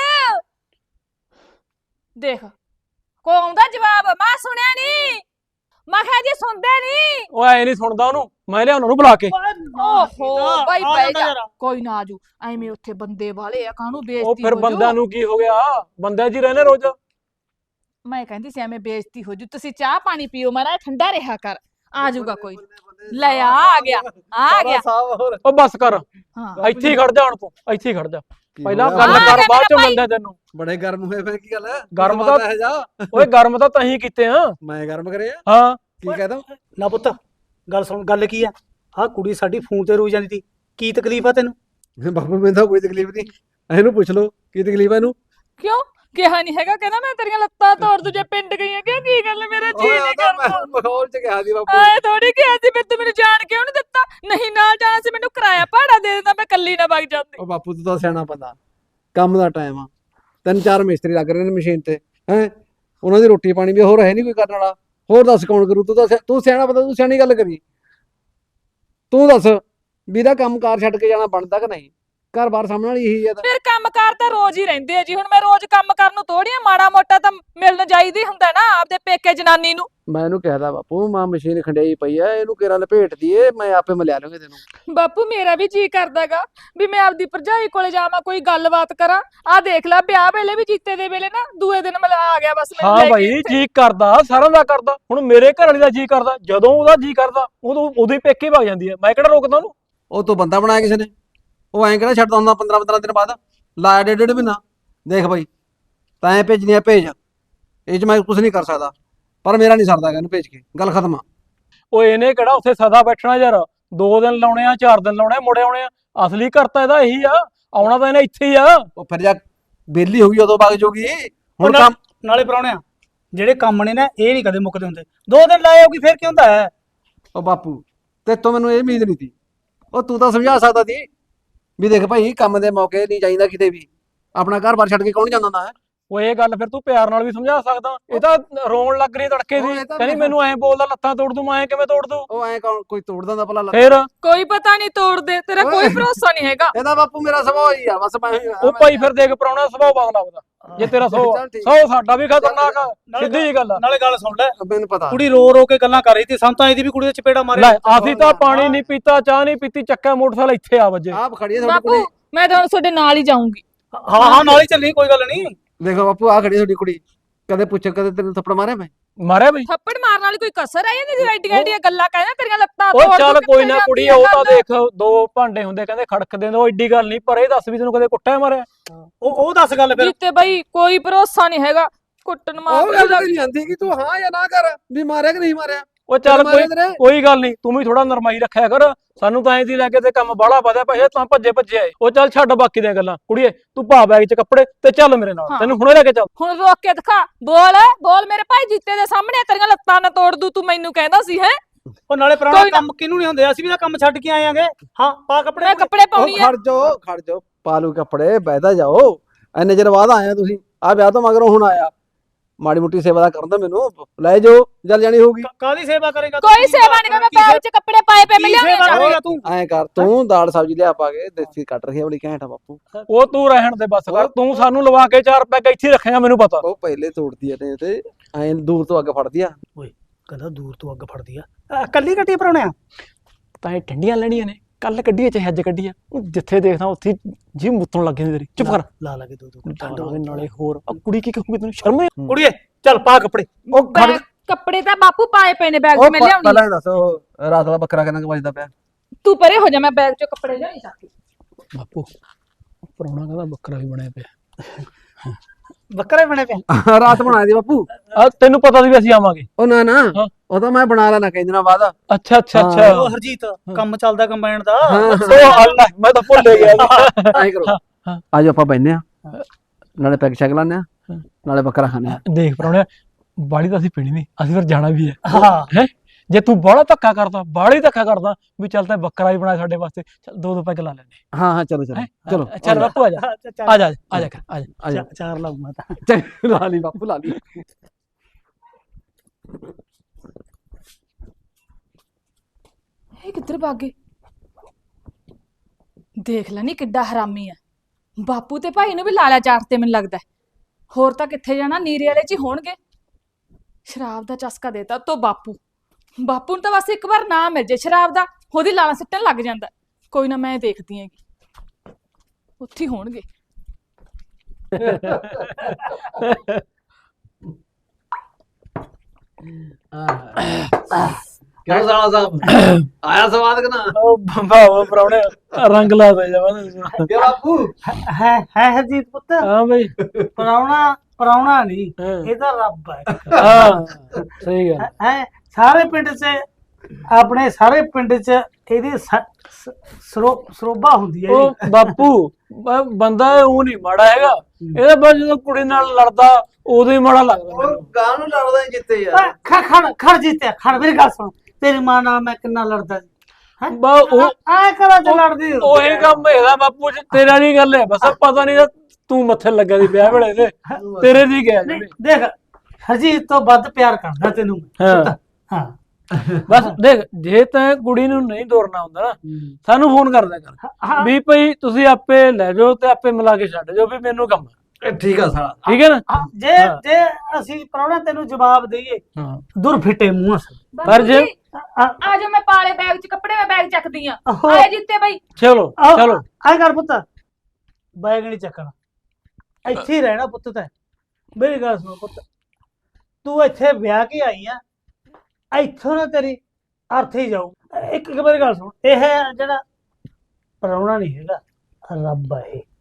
Speaker 1: ਦੇਖ ਕੋ ਆਉਂਦਾ ਜਵਾਬ, ਮੈਂ ਸੁਣਿਆ ਨਹੀਂ। ਮੈਂ ਕਿਹਾ ਜੀ ਸੁਣਦੇ ਨਹੀਂ।
Speaker 4: ਉਹ ਐ ਨਹੀਂ ਸੁਣਦਾ ਉਹਨੂੰ, ਮੈਂ ਲਿਆ ਉਹਨੂੰ ਬੁਲਾ ਕੇ।
Speaker 1: ਓਹੋ ਬਾਈ ਬਹਿ ਜਾ, ਕੋਈ ਨਾ ਆਜੂ। ਐਵੇਂ ਉੱਥੇ ਬੰਦੇ ਵਾਲੇ ਆ, ਕਾਹਨੂੰ
Speaker 4: ਉਹ
Speaker 1: ਬੇਇੱਜ਼ਤੀ
Speaker 4: ਫਿਰ
Speaker 1: ਹੋ
Speaker 4: ਬੰਦਿਆਂ
Speaker 1: ਜੂ।
Speaker 4: ਨੂੰ ਕੀ ਹੋ ਗਿਆ? ਬੰਦਿਆਂ 'ਚ ਹੀ ਰਹਿੰਦੇ ਰੋਜ਼।
Speaker 1: ਮੈਂ ਕਹਿੰਦੀ ਸੀ ਐਵੇਂ ਬੇਇੱਜ਼ਤੀ ਹੋ ਜੂ। ਤੁਸੀਂ ਚਾਹ ਪਾਣੀ ਪੀਓ, ਮਾਰਾ ਠੰਡਾ ਰਿਹਾ ਕਰ, ਆ ਜਾਊਗਾ ਕੋਈ। ਲੈ ਆ ਆ ਗਿਆ, ਆ ਗਿਆ।
Speaker 4: ਉਹ ਬਸ ਕਰ,
Speaker 1: ਹਾਂ
Speaker 4: ਇੱਥੇ ਹੀ ਖੜ ਜਾ ਹੁਣ, ਤੂੰ ਇੱਥੇ ਹੀ ਖੜ ਜਾ।
Speaker 2: ਕੀ
Speaker 4: ਪਹਿਲਾਂ
Speaker 2: ਹੋ
Speaker 4: ਗੱਲ
Speaker 2: ਗਿਆ?
Speaker 1: ਆ
Speaker 4: ਕਰ,
Speaker 1: ਗਿਆ
Speaker 4: ਬਾਅਦ ਚ
Speaker 1: ਮੇਰਾ
Speaker 4: ਮਿਲਦੇ ਤੈਨੂੰ।
Speaker 2: ਬੜੇ ਗਰਮ ਹੋਏ ਫਿਰ ਕੀ ਗੱਲ ਹੈ?
Speaker 4: ਗਰਮ
Speaker 2: ਤਾਂ
Speaker 4: ਤਾਂ-
Speaker 2: ਹੈ ਜਾ।
Speaker 4: ਓਏ ਗਰਮ ਤਾਂ ਤਹੀਂ ਕੀਤੇ ਆ।
Speaker 2: ਮੈਂ ਗਰਮ ਕਰਿਆ
Speaker 4: ਹਾਂ
Speaker 2: ਕੀ ਕਹਦਾ?
Speaker 5: ਨਾ ਪੁੱਤ ਗੱਲ ਸੁਣ, ਗੱਲ ਕੀ ਆ? ਆਹ ਕੁੜੀ ਸਾਡੀ ਫੋਨ ਤੇ ਰੋਈ ਜਾਂਦੀ ਸੀ, ਕੀ ਤਕਲੀਫ ਆ ਤੈਨੂੰ?
Speaker 2: ਬਾਪੂ ਮੈਨੂੰ ਤਾਂ ਕੋਈ ਤਕਲੀਫ ਨਹੀਂ, ਇਹਨੂੰ ਪੁੱਛ ਲਓ ਕੀ ਤਕਲੀਫ ਹੈ ਇਹਨੂੰ।
Speaker 1: ਕਿਉਂ ਕਿਹਾ ਨਹੀਂ ਹੈਗਾ? ਕਹਿੰਦਾ ਮੈਂ ਤੇਰੀਆਂ ਲੱਤਾਂ ਤੋੜ ਦੂ ਜੇ ਪਿੰਡ ਗਈਆਂ। ਕਿਉਂ ਕੀ ਗੱਲ, ਮੇਰਾ ਜੀ ਨਹੀਂ ਕਰਦਾ।
Speaker 2: ਮਖੌਲ ਚ ਕਿਹਾ ਸੀ ਬਾਪੂ।
Speaker 1: ਆਏ ਥੋੜੀ ਕਿਹਾ ਸੀ, ਫਿਰ ਤੂੰ ਮੈਨੂੰ ਜਾਣ ਕਿਉਂ ਨਹੀਂ ਦਿੱਤਾ? ਨਹੀਂ ਨਾਲ ਜਾਣਾ ਸੀ, ਮੈਨੂੰ ਕਿਰਾਇਆ ਭਾੜਾ ਦੇ ਦਿੰਦਾ, ਮੈਂ ਕੱਲੀ ਨਾ ਵਗ ਜਾਂਦੀ।
Speaker 2: ਉਹ ਬਾਪੂ ਤੂੰ ਤਾਂ ਸਿਆਣਾ ਬੰਦਾ, ਕੰਮ ਦਾ ਟਾਈਮ ਆ, ਤਿੰਨ ਚਾਰ ਮਿਸਤਰੀ ਲੱਗ ਰਹੇ ਨੇ ਮਸ਼ੀਨ ਤੇ, ਹੈ ਉਹਨਾਂ ਦੀ ਰੋਟੀ ਪਾਣੀ ਵੀ ਹੋਰ ਹੈ ਨਹੀਂ ਕੋਈ ਕਰਨ ਵਾਲਾ, ਹੋਰ ਦੱਸ ਕੌਣ ਕਰੂ? ਤੂੰ ਤਾਂ ਸਿਆ- ਤੂੰ ਸਿਆਣਾ ਬੰਦਾ, ਤੂੰ ਸਿਆਣੀ ਗੱਲ ਕਰੀ। ਤੂੰ ਦੱਸ ਵੀ ਇਹਦਾ ਕੰਮ ਕਾਰ ਛੱਡ ਕੇ ਜਾਣਾ ਬਣਦਾ ਕਿ ਨਹੀਂ? ਘਰ ਬਾਰ ਸਾਹਮਣੇ ਵਾਲੀ ਇਹੀ ਆ ਤਾਂ।
Speaker 1: ਫਿਰ ਕੰਮਕਾਰ ਤਾਂ ਰੋਜ਼ ਹੀ ਰਹਿੰਦੇ ਆ ਜੀ। ਹੁਣ ਮੈਂ ਰੋਜ਼ ਕੰਮ ਕਰਨ ਨੂੰ ਥੋੜੀਆਂ, ਮਾੜਾ ਮੋਟਾ ਤਾਂ ਮਿਲਣ ਜਾਈਦੀ ਹੁੰਦਾ ਨਾ ਆਪਦੇ ਪੇਕੇ ਜਨਾਨੀ ਨੂੰ।
Speaker 2: ਮੈਂ ਇਹਨੂੰ ਕਹਿਦਾ ਬਾਪੂ, ਮਾਂ ਮਸ਼ੀਨ ਖੰਡਿਆਈ ਪਈ ਆ, ਇਹਨੂੰ ਕਿਹੜਾ ਲਪੇਟ ਦੀਏ, ਮੈਂ ਆਪੇ ਮਿਲਿਆ ਲਵਾਂਗੇ ਤੈਨੂੰ।
Speaker 1: ਬਾਪੂ ਮੇਰਾ ਵੀ ਜੀ ਕਰਦਾਗਾ ਵੀ ਮੈਂ ਆਪਦੀ ਭਰਜਾਈ ਕੋਲੇ ਜਾਵਾਂ, ਕੋਈ ਗੱਲਬਾਤ ਕਰਾਂ। ਆਹ ਦੇਖ ਲੈ, ਵਿਆਹ ਵੇਲੇ ਵੀ ਜੀਤੇ ਦੇ ਵੇਲੇ ਨਾ ਦੂਏ ਦਿਨ ਮਿਲ ਆ ਗਿਆ ਬਸ ਮੈਨੂੰ ਲੈ
Speaker 4: ਹਾਂ
Speaker 1: ਕੇ
Speaker 4: ਭਾਈ,
Speaker 1: ਇੱਥੇ।
Speaker 4: ਜੀ ਕਰਦਾ, ਸਾਰਿਆਂ ਦਾ ਕਰਦਾ। ਹੁਣ ਮੇਰੇ ਘਰ ਵਾਲੀ ਦਾ ਜੀ ਕਰਦਾ, ਜਦੋਂ ਉਹਦਾ ਜੀ ਕਰਦਾ ਉਦੋਂ ਉਦੋਂ ਹੀ ਪੇਕੇ ਭੱਜ ਜਾਂਦੀ ਹੈ। ਮੈਂ ਕਿਹੜਾ ਰੋਕਦਾ ਉਹਨੂੰ?
Speaker 2: ਉਹ ਤੋਂ ਬੰਦਾ ਬਣਾਇਆ ਕਿਸੇ ਨੇ, ਉਹ ਐਂ ਕਿਹੜਾ ਛੱਡਦਾ ਹੁੰਦਾ ਪੰਦਰਾਂ ਪੰਦਰਾਂ ਦਿਨ ਬਾਅਦ, ਲਾਇਆ ਡੇਢ ਡੇਢ ਮਹੀਨਾ। ਦੇਖ ਬਾਈ ਤੈਂ ਭੇਜਣੀ ਆ ਭੇਜ, ਇਹ 'ਚ ਮੈਂ ਕੁਝ ਨਹੀਂ ਕਰ ਸਕਦਾ, ਪਰ ਮੇਰਾ ਨਹੀਂ ਸਰਦਾ ਇਹਨੂੰ ਭੇਜ ਕੇ, ਗੱਲ ਖਤਮ ਆ।
Speaker 4: ਉਹ ਇਹਨੇ ਕਿਹੜਾ ਉੱਥੇ ਸਦਾ ਬੈਠਣਾ ਯਾਰ? ਦੋ ਦਿਨ ਲਾਉਣੇ ਆ, ਚਾਰ ਦਿਨ ਲਾਉਣੇ ਆ, ਮੁੜੇ ਆਉਣੇ ਆ। ਅਸਲੀ ਘਰ ਤਾਂ ਇਹਦਾ ਇਹੀ ਆ, ਆਉਣਾ ਤਾਂ ਇਹਨੇ ਇੱਥੇ ਹੀ ਆ।
Speaker 2: ਉਹ ਫਿਰ ਜਾ ਵਿਹਲੀ ਹੋ ਗਈ ਉਦੋਂ ਵਗ ਜੂਗੀ। ਹੁਣ
Speaker 5: ਨਾ-
Speaker 2: ਕੰਮ
Speaker 5: ਨਾਲੇ ਪ੍ਰਾਹੁਣਿਆ, ਜਿਹੜੇ ਕੰਮ ਨੇ ਨਾ ਇਹ ਨਹੀਂ ਕਦੇ ਮੁੱਕਦੇ ਹੁੰਦੇ। ਦੋ ਦਿਨ ਲਾਏ ਹੋਗੀ ਫਿਰ ਕੀ ਹੁੰਦਾ ਹੈ?
Speaker 2: ਉਹ ਬਾਪੂ ਤੇਤੋਂ ਮੈਨੂੰ ਇਹ ਉਮੀਦ ਨਹੀਂ ਸੀ। ਉਹ ਤੂੰ ਤਾਂ ਸਮਝਾ ਸਕਦਾ ਸੀ ਵੀ ਦੇਖ ਭਾਈ ਕੰਮ ਦੇ ਮੌਕੇ ਨਹੀਂ ਚਾਹੀਦਾ ਕਿਤੇ ਵੀ, ਆਪਣਾ ਘਰ ਬਾਰ ਛੱਡ ਕੇ ਕੌਣ ਜਾਂਦਾ ਹੁੰਦਾ ਹੈ?
Speaker 4: ਉਹ ਇਹ ਗੱਲ ਫਿਰ ਤੂੰ ਪਿਆਰ ਨਾਲ ਵੀ ਸਮਝਾ ਸਕਦਾ। ਇਹ ਤਾਂ ਰੋਣ ਲੱਗ ਰਹੀ ਤੜਕੇ
Speaker 2: ਉਹ
Speaker 4: ਦੀ,
Speaker 2: ਇਹ ਤਾਂ
Speaker 4: ਕਹਿੰਦੀ
Speaker 2: ਮੈਂ-
Speaker 4: ਮੈਨੂੰ ਐਂ ਬੋਲਦਾ ਲੱਤਾਂ ਤੋੜ ਦੂੰ, ਮੈਂ ਐਂ ਕਿਵੇਂ ਤੋੜ ਦੂੰ?
Speaker 2: ਉਹ ਐ ਕੌਣ ਕੋਈ ਤੋੜ ਦਿੰਦਾ ਭਲਾ ਲੱਤ?
Speaker 4: ਫੇਰ
Speaker 1: ਕੋਈ ਪਤਾ ਨਹੀਂ ਤੋੜਦੇ, ਤੇਰਾ
Speaker 2: ਓਏ।
Speaker 1: ਕੋਈ ਭਰੋਸਾ ਨਹੀਂ ਹੈਗਾ।
Speaker 2: ਇਹਦਾ ਬਾਪੂ ਮੇਰਾ ਸੁਭਾਅ ਹੀ ਆ, ਬਸ ਮੈਂ ਹੀ
Speaker 4: ਉਹ ਭਾਈ ਫਿਰ ਦੇਖ ਪ੍ਰਾਹੁਣਾ ਸੁਭਾਅ ਬਦਲਾ ਉਹਦਾ। ਜੇ ਤੇਰਾ ਸੌ
Speaker 2: ਚੱਲ ਠੀਕ।
Speaker 4: ਸੌ ਸਾਡਾ ਵੀ ਖਤਰਨਾਕ ਆ, ਸਿੱਧੀ ਜੀ ਗੱਲ ਆ।
Speaker 5: ਨਾਲੇ ਗੱਲ ਸੁਣ ਲੈ,
Speaker 2: ਮੈਨੂੰ ਪਤਾ
Speaker 5: ਕੁੜੀ ਰੋ ਰੋ ਕੇ ਗੱਲਾਂ ਕਰ ਰਹੀ ਸੀ, ਸਾਨੂੰ ਤਾਂ ਇਹਦੀ ਵੀ ਕੁੜੀ ਦੇ ਚਪੇੜਾ ਮਾਰੇ।
Speaker 4: ਲੈ ਅਸੀਂ ਤਾਂ ਪਾਣੀ ਨਹੀਂ ਪੀਤਾ, ਚਾਹ ਨਹੀਂ ਪੀਤੀ, ਚੱਕਾ ਮੋਟਰਸਾਈਕਲ ਇੱਥੇ ਆ ਵੱਜੇ।
Speaker 2: ਆਪ ਖੜੀ ਹੈ ਤੁਹਾਡੀ
Speaker 1: ਬਾਪੂ
Speaker 2: ਕੁੜੀ।
Speaker 1: ਮੈਂ ਤਾਂ ਹੁਣ ਤੁਹਾਡੇ ਨਾਲ ਹੀ ਜਾਊਂਗੀ।
Speaker 5: ਹਾਂ ਹਾਂ ਨਾਲ ਹੀ ਚੱਲੀ, ਕੋਈ ਗੱਲ ਨਹੀਂ।
Speaker 2: ਦੇਖੋ ਬਾਪੂ ਆ ਖੜੀ ਹੈ ਤੁਹਾਡੀ ਕੁੜੀ, ਕਦੇ ਪੁੱਛ ਕਦੇ ਤੈਨੂੰ ਥੱਪੜ ਮਾਰਿਆ ਮੈਂ?
Speaker 4: ਮਾਰਿਆ ਬਈ?
Speaker 1: ਥੱਪੜ ਮਾਰਨ ਵਾਲੀ ਕੋਈ ਕਸਰ ਹੈ ਇਹਦੀ? ਐਡੀਆਂ ਐਡੀਆਂ ਗੱਲਾਂ ਕਹਿੰਦਾ ਤੇਰੀਆਂ ਲੱਤਾਂ
Speaker 4: ਉਹ
Speaker 1: ਤੋੜ
Speaker 4: ਚੱਲ
Speaker 1: ਦੂੰ,
Speaker 4: ਕੋਈ
Speaker 1: ਕਿੱਥੇ
Speaker 4: ਨਾ ਕੁੜੀ,
Speaker 1: ਜਾਂਦੀ
Speaker 4: ਉਹ
Speaker 1: ਆ
Speaker 4: ਤਾਂ
Speaker 1: ਗੱਲ?
Speaker 4: ਦੇਖ ਦੋ ਭਾਂਡੇ ਹੁੰਦੇ ਕਹਿੰਦੇ ਖੜਕਦੇ ਨੇ, ਉਹ ਏਡੀ ਗੱਲ ਨਹੀਂ, ਪਰ ਇਹ ਦੱਸ ਵੀ ਤੈਨੂੰ ਕਦੇ ਕੁੱਟਿਆ ਮਾਰਿਆ?
Speaker 5: ਉਹ ਉਹ ਦੱਸ ਗੱਲ ਫਿਰ।
Speaker 1: ਜੀਤੇ ਬਾਈ ਕੋਈ ਭਰੋਸਾ ਨਹੀਂ ਹੈਗਾ, ਕੁੱਟਣ
Speaker 2: ਉਹ
Speaker 1: ਮਾਰਨ
Speaker 2: ਗੱਲ
Speaker 1: ਦਾ।
Speaker 2: ਨਹੀਂ ਆਂਦੀ ਕਿ ਤੂੰ ਹਾਂ ਜਾਂ ਨਾ ਕਰ ਵੀ ਮਾਰਿਆ ਕਿ ਨਹੀਂ ਮਾਰਿਆ।
Speaker 4: ਉਹ ਚੱਲ
Speaker 2: ਤੈਨੂੰ
Speaker 4: ਕੋਈ
Speaker 2: ਮਾਰਿਆ ਤੇਰੇ?
Speaker 4: ਕੋਈ ਗੱਲ ਨਹੀਂ, ਤੂੰ ਵੀ ਥੋੜਾ ਨਰਮਾਈ ਰੱਖਿਆ ਕਰ। ਸਾਨੂੰ ਤਾਂ ਐਂ ਦੀ ਲੈ ਕੇ ਤੇ ਕੰਮ ਬਾਹਲਾ ਵਧਿਆ ਪਿਆ, ਤਾਂ ਭੱਜੇ ਭੱਜੇ ਆਏ। ਉਹ ਚੱਲ ਛੱਡ ਬਾਕੀ ਦੀਆਂ ਗੱਲਾਂ, ਕੁੜੀਏ ਤੂੰ ਪਾ ਬੈਗ 'ਚ ਕੱਪੜੇ ਤੇ ਚੱਲ ਮੇਰੇ ਨਾਲ,
Speaker 1: ਹਾਂ।
Speaker 4: ਤੈਨੂੰ ਹੁਣੇ ਲੈ ਕੇ ਚੱਲ।
Speaker 1: ਹੁਣ ਰੋਕ ਕੇ ਦਿਖਾ, ਬੋਲ ਬੋਲ ਮੇਰੇ ਭਾਈ ਜੀਤੇ ਦੇ ਸਾਹਮਣੇ ਤੇਰੀਆਂ ਲੱਤਾਂ ਨਾ ਤੋੜ ਦੂ, ਤੂੰ ਮੈਨੂੰ ਕਹਿੰਦਾ ਸੀ ਹੈ।
Speaker 5: ਉਹ ਨਾਲੇ ਪੁਰਾਣਾ
Speaker 1: ਕੋਈ ਨਾ।
Speaker 5: ਕੰਮ ਕਿਹਨੂੰ ਨਹੀਂ ਹੁੰਦੇ, ਅਸੀਂ ਵੀ ਤਾਂ ਕੰਮ ਛੱਡ ਕੇ ਆਏ ਆਂਗੇ। ਹਾਂ ਪਾ ਕੱਪੜੇ।
Speaker 1: ਮੈਂ ਕੱਪੜੇ
Speaker 2: ਉਹ
Speaker 1: ਪਾਉਣੀ ਆ।
Speaker 2: ਖੜ ਜਾਓ ਖੜ ਜਾਓ, ਪਾ ਲੂ ਕੱਪੜੇ, ਬਹਿਦਾ ਜਾਓ। ਇੰਨੇ ਚਿਰ ਬਾਅਦ ਆਇਆ ਤੁਸੀਂ, ਆ ਵਿਆਹ ਤੋਂ ਮਗਰੋਂ ਹੁਣ ਆਇਆ। ਮਾੜੀ ਮੁੱਟੀ ਸੇਵਾ ਦਾ ਕਰਨ ਦੋ, ਮੈਨੂੰ ਲੈ ਜਾਓ, ਜਲ ਜਾਣੀ ਹੋਊਗੀ।
Speaker 5: ਕਾਹਦੀ ਸੇਵਾ ਕਰੇਗਾ?
Speaker 1: ਕੋਈ ਸੇਵਾ ਨਹੀਂ ਕਰਦਾ, ਮੈਂ ਬੈਗ 'ਚ ਕੱਪੜੇ ਪਾਏ ਪਏ ਮੈਂ ਲਿਆਉਣੀ
Speaker 5: ਸੇਵਾ
Speaker 1: ਆ।
Speaker 5: ਕਰੇਗਾ ਤੂੰ?
Speaker 2: ਐਂ ਕਰ ਤੂੰ ਦਾਲ ਸਬਜ਼ੀ ਲਿਆ ਪਾ ਕੇ, ਦੇਸੀ ਕੱਟ ਰਹੀ ਆ ਬੜੀ ਘੈਂਟ ਆ ਬਾਪੂ।
Speaker 4: ਉਹ ਤੂੰ ਰਹਿਣ ਦੇ ਬਸ ਕਰ, ਤੂੰ ਸਾਨੂੰ ਲਵਾ ਕੇ ਚਾਰ ਪੈਗ ਇੱਥੇ ਹੀ ਰੱਖੇਗਾ, ਮੈਨੂੰ ਪਤਾ।
Speaker 2: ਉਹ ਪਹਿਲੇ ਤੋੜਦੀ ਆ ਤੇ ਤੇ ਐਂ ਦੂਰ ਤੋਂ ਅੱਗ ਫੜਦੀ ਆ।
Speaker 5: ਕਹਿੰਦਾ ਦੂਰ ਤੋਂ ਅੱਗ ਫੜਦੀ ਆ। ਕੱਲੀ ਕੱਟੀ ਪਰਾਉਣਿਆ
Speaker 4: ਤਾਂ ਇਹ ਠੰਡੀਆਂ ਲੈਣੀਆਂ ਨੇ, ਕੱਲ ਕੱਢੀਏ ਚਾਹੇ ਅੱਜ ਕੱਢੀਏ, ਉਹ ਜਿੱਥੇ ਦੇਖਦਾ ਉੱਥੇ ਜੀ ਮੁੱਤਣ ਲੱਗ ਜਾਂਦੀ ਤੇਰੀ। ਚੁੱਪ ਕਰ।
Speaker 5: ਲਾ ਲਾ ਕੇ ਦੋ ਦੋ
Speaker 4: ਨਾਲੇ ਨਾਲੇ ਹੋਰ ਆ ਕੁੜੀ ਕੀ ਕਹੂਗੀ ਤੈਨੂੰ, ਸ਼ਰਮ ਹੈ?
Speaker 5: ਕੁੜੀਏ ਚੱਲ ਪਾ ਕੱਪੜੇ।
Speaker 2: ਉਹ ਖੜ
Speaker 1: ਬੈਗ- ਕੱਪੜੇ ਤਾਂ ਬਾਪੂ ਪਾਏ ਪਏ ਨੇ ਬੈਗ 'ਚ,
Speaker 2: ਉਹ
Speaker 1: ਮੈਂ
Speaker 2: ਪ-
Speaker 1: ਲਿਆਉਣੀ।
Speaker 2: ਪਹਿਲਾਂ ਇਹ ਦੱਸ, ਉਹ ਰਾਤ ਦਾ ਬੱਕਰਾ ਕਿੰਨਾ ਕੁ ਵੱਜਦਾ ਪਿਆ?
Speaker 1: ਤੂੰ ਪਰੇ ਹੋ ਜਾ, ਮੈਂ ਬੈਗ 'ਚ ਕੱਪੜੇ ਲਿਆਉਣੀ ਚੱਕ ਕੇ।
Speaker 4: ਬਾਪੂ ਪ੍ਰਾਹੁਣਾ ਕਹਿੰਦਾ ਬੱਕਰਾ ਵੀ ਬਣਿਆ ਪਿਆ।
Speaker 5: ਬੱਕਰੇ ਬਣੇ ਪਿਆ।
Speaker 2: ਰਾਤ ਬਣਾਇਆ ਦੀ ਬਾਪੂ।
Speaker 4: ਆ ਤੈਨੂੰ ਪਤਾ ਸੀ ਵੀ ਅਸੀਂ ਆਵਾਂਗੇ?
Speaker 2: ਉਹ ਨਾ ਨਾ,
Speaker 4: ਹਾਂ।
Speaker 2: ਉਹ ਤਾਂ ਮੈਂ ਬਣਾ ਲੈਣਾ ਕਈ ਦਿਨਾਂ ਬਾਅਦ।
Speaker 4: ਅੱਛਾ ਅੱਛਾ
Speaker 2: ਹਾਂ।
Speaker 4: ਅੱਛਾ।
Speaker 5: ਉਹ ਹਰਜੀਤ ਕੰਮ ਚੱਲਦਾ ਕੰਬਾਈਨ ਦਾ।
Speaker 2: ਹਾਂ
Speaker 4: ਉਹ ਅੱਲਾ, ਮੈਂ ਤਾਂ ਭੁੱਲ ਗਿਆ ਸੀ।
Speaker 2: ਐਂ ਕਰੋ,
Speaker 4: ਹਾਂ।
Speaker 2: ਆਜੋ ਆਪਾਂ ਬੈਠਨੇ ਆ, ਨਾਲੇ ਪੈਗ ਛਕ ਲਾਨੇ ਆ, ਨਾਲੇ ਬੱਕਰਾ ਖਾਣੇ ਆ।
Speaker 4: ਦੇਖ ਪ੍ਰਾਹੁਣਿਆ, ਬਾੜੀ ਤਾਂ ਅਸੀਂ ਪੀਣੀ ਨਹੀਂ, ਅਸੀਂ ਫਿਰ ਜਾਣਾ ਵੀ ਹੈ
Speaker 5: ਹਾਂ
Speaker 4: ਹੈ। ਜੇ ਤੂੰ ਬਾਹਲਾ ਧੱਕਾ ਕਰਦਾ, ਬਾਹਲੀ ਧੱਕਾ ਕਰਦਾ ਵੀ ਚੱਲ ਤਾਂ ਬੱਕਰਾ ਵੀ ਬਣਾਇਆ ਸਾਡੇ ਵਾਸਤੇ, ਚੱਲ ਦੋ ਦੋ ਪੈਗ ਲਾ ਲੈਣੇ।
Speaker 2: ਹਾਂ ਹਾਂ ਚਲੋ ਚਲੋ ਚਲੋ
Speaker 4: ਚੱਲ ਬਾਪੂ ਆ ਜਾ,
Speaker 5: ਚੱਲ
Speaker 4: ਆ ਜਾ ਆ ਜਾ ਕਰ, ਆ ਜਾ।
Speaker 2: ਆ ਜਾ।
Speaker 5: ਚਾ- ਚਾਰ ਲਾਉ ਮੈਂ ਤਾਂ।
Speaker 2: ਚੱਲ ਲਾ ਲਈ ਬਾਪੂ, ਲਾ ਲਈ।
Speaker 1: ਇਹ ਕਿੱਧਰ ਭਾਗੇ? ਦੇਖ ਲੈ ਨੀ ਕਿੱਡਾ ਹਰਾਮੀ ਆ। ਬਾਪੂ ਤੇ ਭਾਈ ਨੂੰ ਵੀ ਲਾਲਾ ਚਾਰ ਤੇ ਮੈਨੂੰ ਲੱਗਦਾ ਹੈ। ਹੋਰ ਤਾਂ ਕਿੱਥੇ ਜਾਣਾ, ਨੀਰੇ ਵਾਲੇ 'ਚ ਹੀ ਹੋਣਗੇ। ਸ਼ਰਾਬ ਦਾ ਚਸਕਾ ਦੇਤਾ ਤੋ ਬਾਪੂ ਬਾਪੂ ਨੂੰ ਤਾਂ ਬਸ ਇੱਕ ਵਾਰ ਨਾ ਮਿਲ ਜੇ ਸ਼ਰਾਬ ਦਾ, ਉਹਦੀ ਲਾਲਾ ਸਿੱਟਣ ਲੱਗ ਜਾਂਦਾ। ਕੋਈ ਨਾ, ਮੈਂ ਦੇਖਦੀ ਹੈਗੀ, ਉੱਥੇ ਹੀ ਹੋਣਗੇ।
Speaker 2: ਕਿਉਂ ਸਾਲਾ ਸਾਹਿਬ ਆਇਆ ਸਵਾਦ ਕਿ ਨਾ?
Speaker 4: ਉਹ ਬਾਬਾ ਪ੍ਰਾਹੁਣੇ ਰੰਗ ਲਾ ਦੇ ਜਾਵਾਂ।
Speaker 2: ਕਿ ਬਾਪੂ
Speaker 5: ਹੈ ਹੈ ਹਰਜੀਤ ਪੁੱਤ,
Speaker 4: ਹਾਂ ਬਈ।
Speaker 5: ਪਰਾਉਣਾ ਪਰਾਉਣਾ ਨਹੀਂ,
Speaker 4: ਹਾਂ।
Speaker 5: ਇਹ ਤਾਂ ਰੱਬ ਹੈ।
Speaker 4: ਹਾਂ ਸਹੀ ਗੱਲ।
Speaker 5: ਹੈ ਸਾਰੇ ਪਿੰਡ 'ਚ, ਆਪਣੇ ਸਾਰੇ ਪਿੰਡ 'ਚ ਇਹਦੀ ਸ- ਸ- ਸਰੋ ਸਰੋਬਾ ਹੁੰਦੀ ਹੈ
Speaker 4: ਉਹ ਬਾਪੂ ਬ- ਬੰਦਾ ਉਹ ਨਹੀਂ ਮਾੜਾ ਹੈਗਾ, ਇਹਦਾ ਬਸ ਜਦੋਂ ਕੁੜੀ ਨਾਲ ਲੜਦਾ ਉਦੋਂ ਹੀ ਮਾੜਾ ਲੱਗਦਾ
Speaker 2: ਉਹ
Speaker 4: ਮੈਨੂੰ।
Speaker 2: ਗਾਂ ਨੂੰ ਲੜਦਾ ਹੀ ਜਿੱਤੇ
Speaker 5: ਇਹਦੀ।
Speaker 2: ਯਾਰ।
Speaker 5: ਖੜ ਖੜ ਖੜ ਜੀਤਿਆ, ਖੜ ਮੇਰੀ ਗੱਲ ਸੁਣ। ਤੇਰੀ ਮਾਂ ਨਾਲ ਮੈਂ ਕਿੰਨਾ ਲੜਦਾ ਸੀ। ਹੈਂ?
Speaker 4: ਬਾ ਉਹ
Speaker 5: ਐ ਕਰਾਂ ਚ ਲੜਦੀ ਹੁੰਦੀ
Speaker 4: ਉਹੀ
Speaker 5: ਹੈ।
Speaker 4: ਕੰਮ ਇਹਦਾ ਬਾਪੂ ਜੀ, ਤੇਰਾ ਨਹੀਂ ਗੱਲ ਹੈ, ਬਸ ਪਤਾ ਨਹੀਂ ਤੂੰ ਮੱਥੇ ਲੱਗਾ ਦੀ ਵਿਆਹ ਵੇਲੇ ਤੇ ਤੇਰੇ ਦੀ ਗਿਆ
Speaker 5: ਨਹੀਂ,
Speaker 4: ਜਿਹੜੇ।
Speaker 5: ਦੇਖ ਹਰਜੀਤ ਤੋਂ ਵੱਧ ਪਿਆਰ ਕਰਦਾ ਤੈਨੂੰ ਮੈਂ।
Speaker 4: ਹਾਂ
Speaker 5: ਹਾਂ
Speaker 4: ਬਸ ਦੇਖ, ਜੇ ਤੈਂ ਕੁੜੀ ਨੂੰ ਨਹੀਂ ਤੋਰਨਾ ਹੁੰਦਾ ਨਾ, ਸਾਨੂੰ ਫੋਨ ਕਰ ਦਿਆ ਕਰ
Speaker 5: ਹਾਂ
Speaker 4: ਵੀ ਭਈ ਤੁਸੀਂ ਆਪੇ ਲੈ ਜਾਓ ਤੇ ਆਪੇ ਮਿਲਾ ਕੇ ਛੱਡ ਜਾਓ, ਵੀ ਮੈਨੂੰ ਕੰਮ ਹੈ।
Speaker 2: ਇਹ ਠੀਕ ਆ ਸਾਲਾ।
Speaker 4: ਠੀਕ ਹੈ ਨਾ?
Speaker 5: ਹਾਂ, ਜੇ ਜੇ ਅਸੀਂ ਪ੍ਰਾਹੁਣਾ ਤੈਨੂੰ ਜਵਾਬ ਦਈਏ,
Speaker 4: ਹਾਂ
Speaker 5: ਦੁਰ ਫਿੱਟੇ ਮੂੰਹ ਸੇ।
Speaker 4: ਪਰ ਜੇ-
Speaker 5: ਆ
Speaker 1: ਆ ਜਾ, ਮੈਂ ਪਾਲੇ ਬੈਗ 'ਚ ਕੱਪੜੇ, ਮੈਂ ਬੈਗ ਚੱਕਦੀ ਆ।
Speaker 5: ਆਹੋ।
Speaker 1: ਆਏ ਜਿੱਤੇ ਬਾਈ।
Speaker 4: ਚਲੋ ਚਲੋ।
Speaker 5: ਆਏ ਕਰ ਪੁੱਤ, ਬੈਗ ਨਹੀਂ ਚੱਕਣਾ, ਇੱਥੇ ਹੀ ਰਹਿਣਾ ਪੁੱਤ। ਤੈਂ ਮੇਰੀ ਗੱਲ ਸੁਣ ਪੁੱਤ, ਤੂੰ ਇੱਥੇ ਵਿਆਹ ਕੇ ਆਈ ਆ, ਇੱਥੋਂ ਨਾ ਤੇਰੀ ਅਰਥ ਹੀ ਜਾਊ। ਇੱਕ ਇੱਕ ਮੇਰੀ ਗੱਲ ਸੁਣ, ਇਹ ਜਿਹੜਾ ਪ੍ਰਾਹੁਣਾ ਨਹੀਂ ਹੈਗਾ, ਰੱਬ ਹੈ ਇਹ।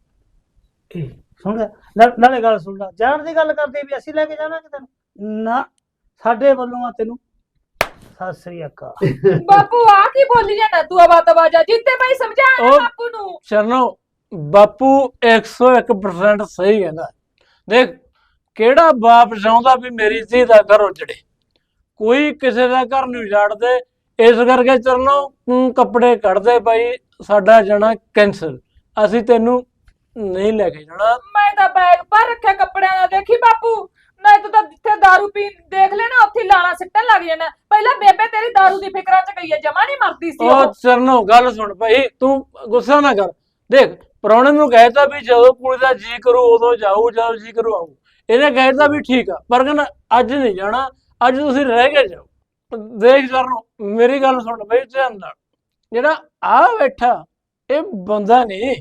Speaker 5: ਇਹ ਸੁਣ ਲੈ, ਨਾ- ਨਾਲੇ ਗੱਲ ਸੁਣ ਲੈ, ਜਾਣ ਦੀ ਗੱਲ ਕਰਦੇ ਵੀ ਅਸੀਂ ਲੈ ਕੇ ਜਾਵਾਂਗੇ ਤੈਨੂੰ, ਨਾ ਸਾਡੇ ਵੱਲੋਂ ਆ ਤੈਨੂੰ ਸਤਿ ਸ੍ਰੀ ਅਕਾਲ।
Speaker 1: ਬਾਪੂ ਆ ਕੀ ਬੋਲੀ ਜਾਂਦਾ ਤੂੰ? ਆਵਾ ਤਵਾਜਾ ਜਿੱਤੇ ਬਾਈ ਸਮਝਾ
Speaker 4: ਉਹ-
Speaker 1: ਬਾਪੂ ਨੂੰ।
Speaker 4: ਚਰਨੋ ਬਾਪੂ ਇੱਕ ਸੌ ਇੱਕ ਪਰਸੈਂਟ ਸਹੀ ਕਹਿੰਦਾ। ਦੇਖ, ਕਿਹੜਾ ਬਾਪ ਚਾਹੁੰਦਾ ਵੀ ਮੇਰੀ ਧੀ ਦਾ ਘਰ ਉਜੜੇ? ਕੋਈ ਕਿਸੇ ਦਾ ਘਰ ਨਹੀਂ ਉਜਾੜਦੇ। ਇਸ ਕਰਕੇ ਚਰਨੋ ਤੂੰ ਕੱਪੜੇ ਕੱਢ ਦੇ ਭਾਈ, ਸਾਡਾ ਜਾਣਾ ਕੈਂਸਲ, ਅਸੀਂ ਤੈਨੂੰ ਨਹੀਂ ਲੈ ਕੇ ਜਾਣਾ।
Speaker 1: ਮੈਂ ਤਾਂ ਬੈਗ ਭਰ ਰੱਖਿਆ ਕੱਪੜਿਆਂ ਦਾ। ਦੇਖੀ ਬਾਪੂ, ਨਾ ਤੂੰ ਤਾਂ ਜਿੱਥੇ ਦਾਰੂ ਪੀਣ ਦੇਖ ਲੈਣਾ ਉੱਥੇ ਹੀ ਲਾਣਾ ਸਿੱਟਣ ਲੱਗ ਜਾਣਾ। ਪਹਿਲਾਂ ਬੇਬੇ ਤੇਰੀ ਦਾਰੂ ਦੀ ਫਿਕਰਾਂ ਚ ਗਈ ਹੈ, ਜਮਾ ਨਹੀਂ ਮਰਦੀ ਸੀ
Speaker 4: ਉਹ
Speaker 1: ਉਹ।
Speaker 4: ਚਰਨੋ ਗੱਲ ਸੁਣ ਭਾਈ, ਤੂੰ ਗੁੱਸਾ ਨਾ ਕਰ। ਦੇਖ ਪ੍ਰਾਹੁਣੇ ਨੂੰ ਕਹਿਤਾ ਵੀ ਜਦੋਂ ਕੁੜੀ ਦਾ ਜੀ ਕਰੂ ਉਦੋਂ ਜਾਊ, ਜਦੋਂ ਜੀ ਕਰੂ ਆਊ। ਇਹਨੇ ਕਹਿਤਾ ਵੀ ਠੀਕ ਆ, ਪਰ ਕਹਿੰਦਾ ਅੱਜ ਨਹੀਂ ਜਾਣਾ, ਅੱਜ ਤੁਸੀਂ ਰਹਿ ਕੇ ਜਾਓ। ਦੇਖ ਚਰਨੋ ਮੇਰੀ ਗੱਲ ਸੁਣ ਬਈ ਧਿਆਨ ਨਾਲ, ਜਿਹੜਾ ਆ ਬੈਠਾ ਇਹ ਬੰਦਾ ਨਹੀਂ।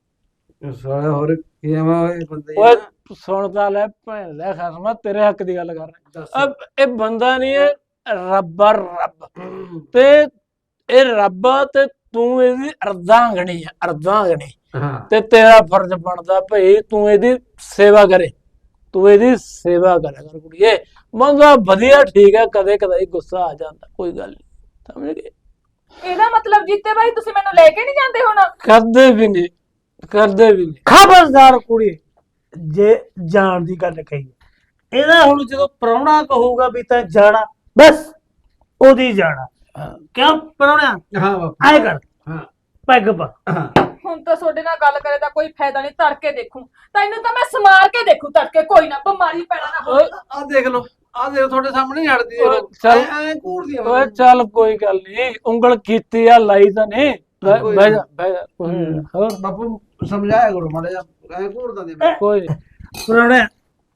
Speaker 2: ਸਾਲੇ ਹੋਰ ਕੀ ਆਵਾ ਇਹ ਬੰਦੇ
Speaker 4: ਓਏ ਸੁਣ ਤਾਂ ਲੈ ਭੈਣ ਲੈ ਖਸਮਾ, ਤੇਰੇ ਹੱਕ ਦੀ ਗੱਲ ਕਰ ਰਿਹਾ। ਅਬ ਇਹ ਬੰਦਾ ਨਹੀਂ, ਇਹ ਰੱਬ ਆ ਰੱਬ। ਤੇ ਇਹ ਰੱਬ ਆ ਤੇ ਤੂੰ ਇਹਦੀ ਅਰਧਾਂਗਣੀ ਆ, ਅਰਧਾਂਗਣੀ।
Speaker 2: ਹਾਂ
Speaker 4: ਤੇ ਤੇਰਾ ਫਰਜ਼ ਬਣਦਾ ਭਈ ਤੂੰ ਇਹਦੀ ਸੇਵਾ ਕਰੇ, ਤੂੰ ਇਹਦੀ ਸੇਵਾ ਕਰਿਆ ਕਰ ਕੁੜੀਏ। ਬੰਦਾ ਵਧੀਆ ਠੀਕ ਹੈ, ਕਦੇ ਕਦੇ ਗੁੱਸਾ ਆ ਜਾਂਦਾ, ਕੋਈ ਗੱਲ ਨਹੀਂ, ਸਮਝ ਗਏ।
Speaker 1: ਇਹਦਾ ਮਤਲਬ ਜੀਤੇ ਬਾਈ ਤੁਸੀਂ ਮੈਨੂੰ ਲੈ ਕੇ ਨਹੀਂ ਜਾਂਦੇ ਹੁਣ?
Speaker 4: ਕਰਦੇ ਵੀ ਨਹੀਂ, ਕਰਦੇ ਵੀ ਨਹੀਂ।
Speaker 5: ਖਬਰਦਾਰ ਕੁੜੀ, ਜੇ ਜਾਣ ਦੀ ਗੱਲ ਕਹੀ ਇਹਦਾ ਹੁਣ ਜਦੋਂ ਪ੍ਰਾਹੁਣਾ ਕਹੂਗਾ ਵੀ ਤਾਂ ਜਾਣਾ, ਬਸ ਉਹਦੀ ਜਾਣਾ। ਕਿਉਂ ਪ੍ਰਾਹੁਣਿਆ
Speaker 2: ਹਾਂ ਬਾਪੂ
Speaker 5: ਆਏ ਕਰ,
Speaker 2: ਹਾਂ
Speaker 5: ਪੈਗ ਪਾ।
Speaker 1: ਹੁਣ ਤਾਂ ਤੁਹਾਡੇ ਨਾਲ ਗੱਲ ਕਰੇ ਦਾ ਕੋਈ ਫਾਇਦਾ ਨਹੀਂ। ਤੜਕੇ ਦੇਖੂ ਤੈਨੂੰ ਤਾਂ ਮੈਂ ਸਮਾਰ ਕੇ ਦੇਖੂ ਤੜਕੇ, ਕੋਈ ਨਾ ਬਿਮਾਰੀ ਪੈਣਾ ਨਾ ਹੋਵੇ।
Speaker 2: ਆ ਦੇਖ ਲਓ, ਆ ਦੇਖ ਤੁਹਾਡੇ ਸਾਹਮਣੇ ਹੀ ਹੜਦੀ
Speaker 4: ਓਏ ਚੱਲ,
Speaker 2: ਐ ਘੂਰਦੀ ਆ
Speaker 4: ਓਏ ਚੱਲ ਕੋਈ ਗੱਲ ਨਹੀਂ, ਉਂਗਲ ਕੀਤੀ ਆ ਲਾਈ ਤਾਂ ਨਹੀਂ। ਬਹਿ
Speaker 2: ਕੋਈ
Speaker 4: ਬਹਿ ਜਾ ਬਹਿ ਜਾ, ਕੋਈ ਨੀ। ਹੋਰ
Speaker 2: ਬਾਪੂ ਸਮਝਾਇਆ ਕਰੋ ਮਾੜਾ ਜਿਹਾ, ਐ ਘੂਰਦਾ ਦੇ
Speaker 4: ਕੋਈ ਨੀ।
Speaker 5: ਪ੍ਰਾਹੁਣਿਆ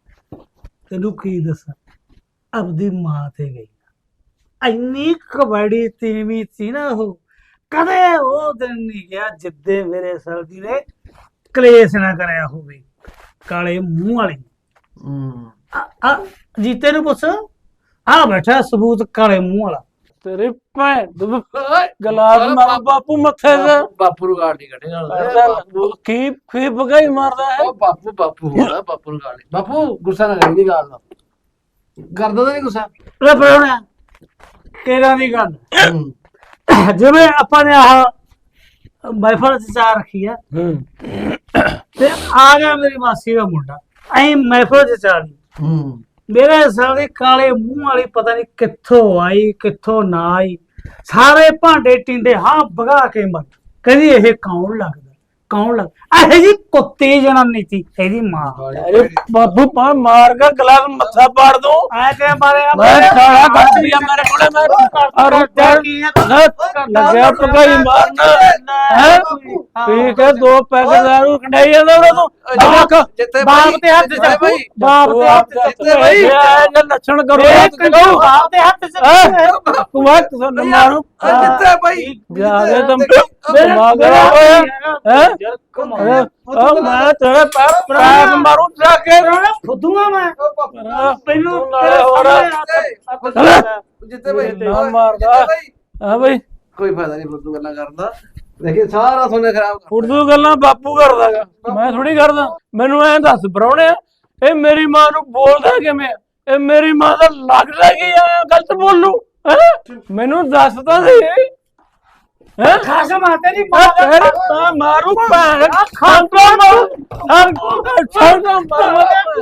Speaker 5: ਤੈਨੂੰ ਕੀ ਦੱਸਾਂ, ਆਪਦੀ ਮਾਂ ਤੇ ਗਈ ਇੰਨੀ ਕਬੜੀ ਤੀਵੀਂ ਸੀ ਨਾ ਉਹ, ਕਦੇ ਉਹ ਦਿਨ ਨਹੀਂ ਗਿਆ ਜਿੱਦੇ ਮੇਰੇ ਸਰਦੀ ਨੇ ਕਲੇਸ਼ ਨਾ ਕਰਿਆ ਹੋਵੇ। ਕਾਲੇ ਮੂੰਹ ਵਾਲੀ
Speaker 2: ਹੂੰ
Speaker 5: ਆ- ਆ ਜੀਤੇ ਨੂੰ ਪੁੱਛ, ਆ ਬੈਠਾ ਸਬੂਤ ਕਾਲੇ ਮੂੰਹ ਵਾਲਾ।
Speaker 4: ਤੇਰੀ ਭੈਣ ਦੀ ਗਲਾਸ ਮਾਰ ਬਾਪੂ ਮੱਥੇ ਤੇ।
Speaker 2: ਬਾਪੂ ਨੂੰ ਗਾਲ ਨਹੀਂ ਕੱਢੇਗਾ।
Speaker 4: ਚੱਲ, ਕੀ ਕੀ ਬਗਾਈ ਮਾਰਦਾ ਹੈ।
Speaker 2: ਉਹ ਬਾਪੂ ਬਾਪੂ ਹੋਣਾ, ਬਾਪੂ ਨੂੰ ਗਾਲ ਨਹੀਂ। ਬਾਪੂ ਗੁੱਸਾ ਨਾ ਕਰੀ ਦੀ ਗਾਲ ਦਾ, ਕਰਦਾ ਤਾਂ ਨਹੀਂ ਗੁੱਸਾ।
Speaker 5: ਲੈ ਪ੍ਰਾਹੁਣਿਆ ਕਿਹੜਾ ਦੀ ਗੱਲ,
Speaker 2: ਹੂੰ
Speaker 5: ਜਿਵੇਂ ਆਪਾਂ ਨੇ ਆਹ ਮਹਿਫਲ ਚ ਚਾਹ ਰੱਖੀ ਆ
Speaker 4: ਹੂੰ
Speaker 5: ਤੇ ਆ ਗਿਆ ਮੇਰੀ ਮਾਸੀ ਦਾ ਮੁੰਡਾ, ਐਂ ਮਹਿਫਲ ਚ ਚਾਹ ਲਈ
Speaker 2: ਹੂੰ
Speaker 5: ਮੇਰੇ ਸਾਲੇ ਕਾਲੇ ਮੂੰਹ ਵਾਲੀ ਪਤਾ ਨਹੀਂ ਕਿੱਥੋਂ ਆਈ ਕਿੱਥੋਂ ਨਾ ਆਈ, ਸਾਰੇ ਭਾਂਡੇ ਟਿੰਡੇ ਹਾਂ ਭਗਾ ਕੇ ਮਰ। ਕਹਿੰਦੀ ਇਹ ਕੌਣ ਲੱਗਦਾ, ਕੌਣ ਲੱਗ ਇਹ ਜੀ ਕੁੱਤੀ ਜਨਾਨੀ ਸੀ ਇਹਦੀ ਮਾਂ।
Speaker 4: ਅਰੇ ਬਾਪੂ ਪਾ ਮਾਰ ਕੇ ਗਲਾਸ ਮੱਥਾ ਪਾੜ ਦੂੰ।
Speaker 5: ਐ ਕਿ ਮਾਰਿਆ
Speaker 4: ਮੈਂ ਖਾਣਾ ਕੱਟ ਲਿਆ ਮੇਰੇ ਕੋਲੇ, ਮੈਂ ਔਰ
Speaker 5: ਕੀ ਹੈ
Speaker 4: ਲੱਗਿਆ ਭਗਾਈ ਮਾਰਨਾ ਹੈ। ਠੀਕ ਹੈ, ਦੋ ਪੈਸੇ ਦਾਰੂ ਕੰਡਾਈ ਜਾਂਦਾ ਉਹਨਾਂ ਤੋਂ।
Speaker 2: ਜਿੱਤੇ
Speaker 5: ਬਾਪ ਤੇ ਹੱਥ
Speaker 2: ਜਿੱਤੇ
Speaker 5: ਚ
Speaker 2: ਬਾਈ,
Speaker 5: ਬਾਪ ਤੇ ਹੱਥ ਚ
Speaker 2: ਜਿੱਤੇ ਬਾਈ,
Speaker 4: ਇਹ ਲੱਛਣ ਕਰੋ
Speaker 5: ਬਾਪ ਦੇ ਹੱਥ ਚ
Speaker 4: ਤੂੰ ਵਕਤ ਸਾਨੂੰ ਮਾਰੂ
Speaker 2: ਜਿੱਤੇ ਬਾਈ,
Speaker 4: ਜਾਦੇ ਤੁਮ ਦਿਮਾਗ ਖਰਾਬ ਹੋਇਆ ਹੈ। ਉਹ ਮੈਂ ਤੇਰੇ ਪੈਰ ਪੈਰ ਮਾਰੂ ਜਾ ਕੇ।
Speaker 5: ਫੁੱਦੂਆ ਮੈਂ ਮੈਨੂੰ
Speaker 4: ਨਾਲੇ ਹੋਰ
Speaker 2: ਜਿੱਤੇ ਬਾਈ
Speaker 4: ਨਾ ਮਾਰਦਾ। ਹਾਂ ਬਈ
Speaker 2: ਕੋਈ ਫਾਇਦਾ ਨਹੀਂ ਫੁੱਦੂ ਗੱਲਾਂ ਕਰਨ ਦਾ। ਦੇਖੀ ਸਾਰਾ ਸੋਨੇ ਖਰਾਬ ਕਰ
Speaker 4: ਉਰਦੂ ਗੱਲਾਂ ਬਾਪੂ ਕਰਦਾਗਾ, ਮੈਂ ਥੋੜੀ ਕਰਦਾ। ਮੈਨੂੰ ਐਂ ਦੱਸ ਪ੍ਰਾਹੁਣਿਆ, ਇਹ ਮੇਰੀ ਮਾਂ ਨੂੰ ਬੋਲਦਾ ਕਿਵੇਂ? ਇਹ ਮੇਰੀ ਮਾਂ ਦਾ ਲੱਗਦਾ ਕੀ ਆ ਗਲਤ ਬੋਲੂ ਹੈ? ਮੈਨੂੰ ਦੱਸ ਤਾਂ ਸਹੀ ਹੈ।
Speaker 5: ਖਾਸ ਮਾਤੇ ਦੀ
Speaker 4: ਮੈਂ ਤੇਰੇ ਤਾਂ ਮਾਰੂ ਭੈਣ ਖਾਂਦਾ ਮਾਰੂ ਖਾਂਦਾ ਮਾਰੂ।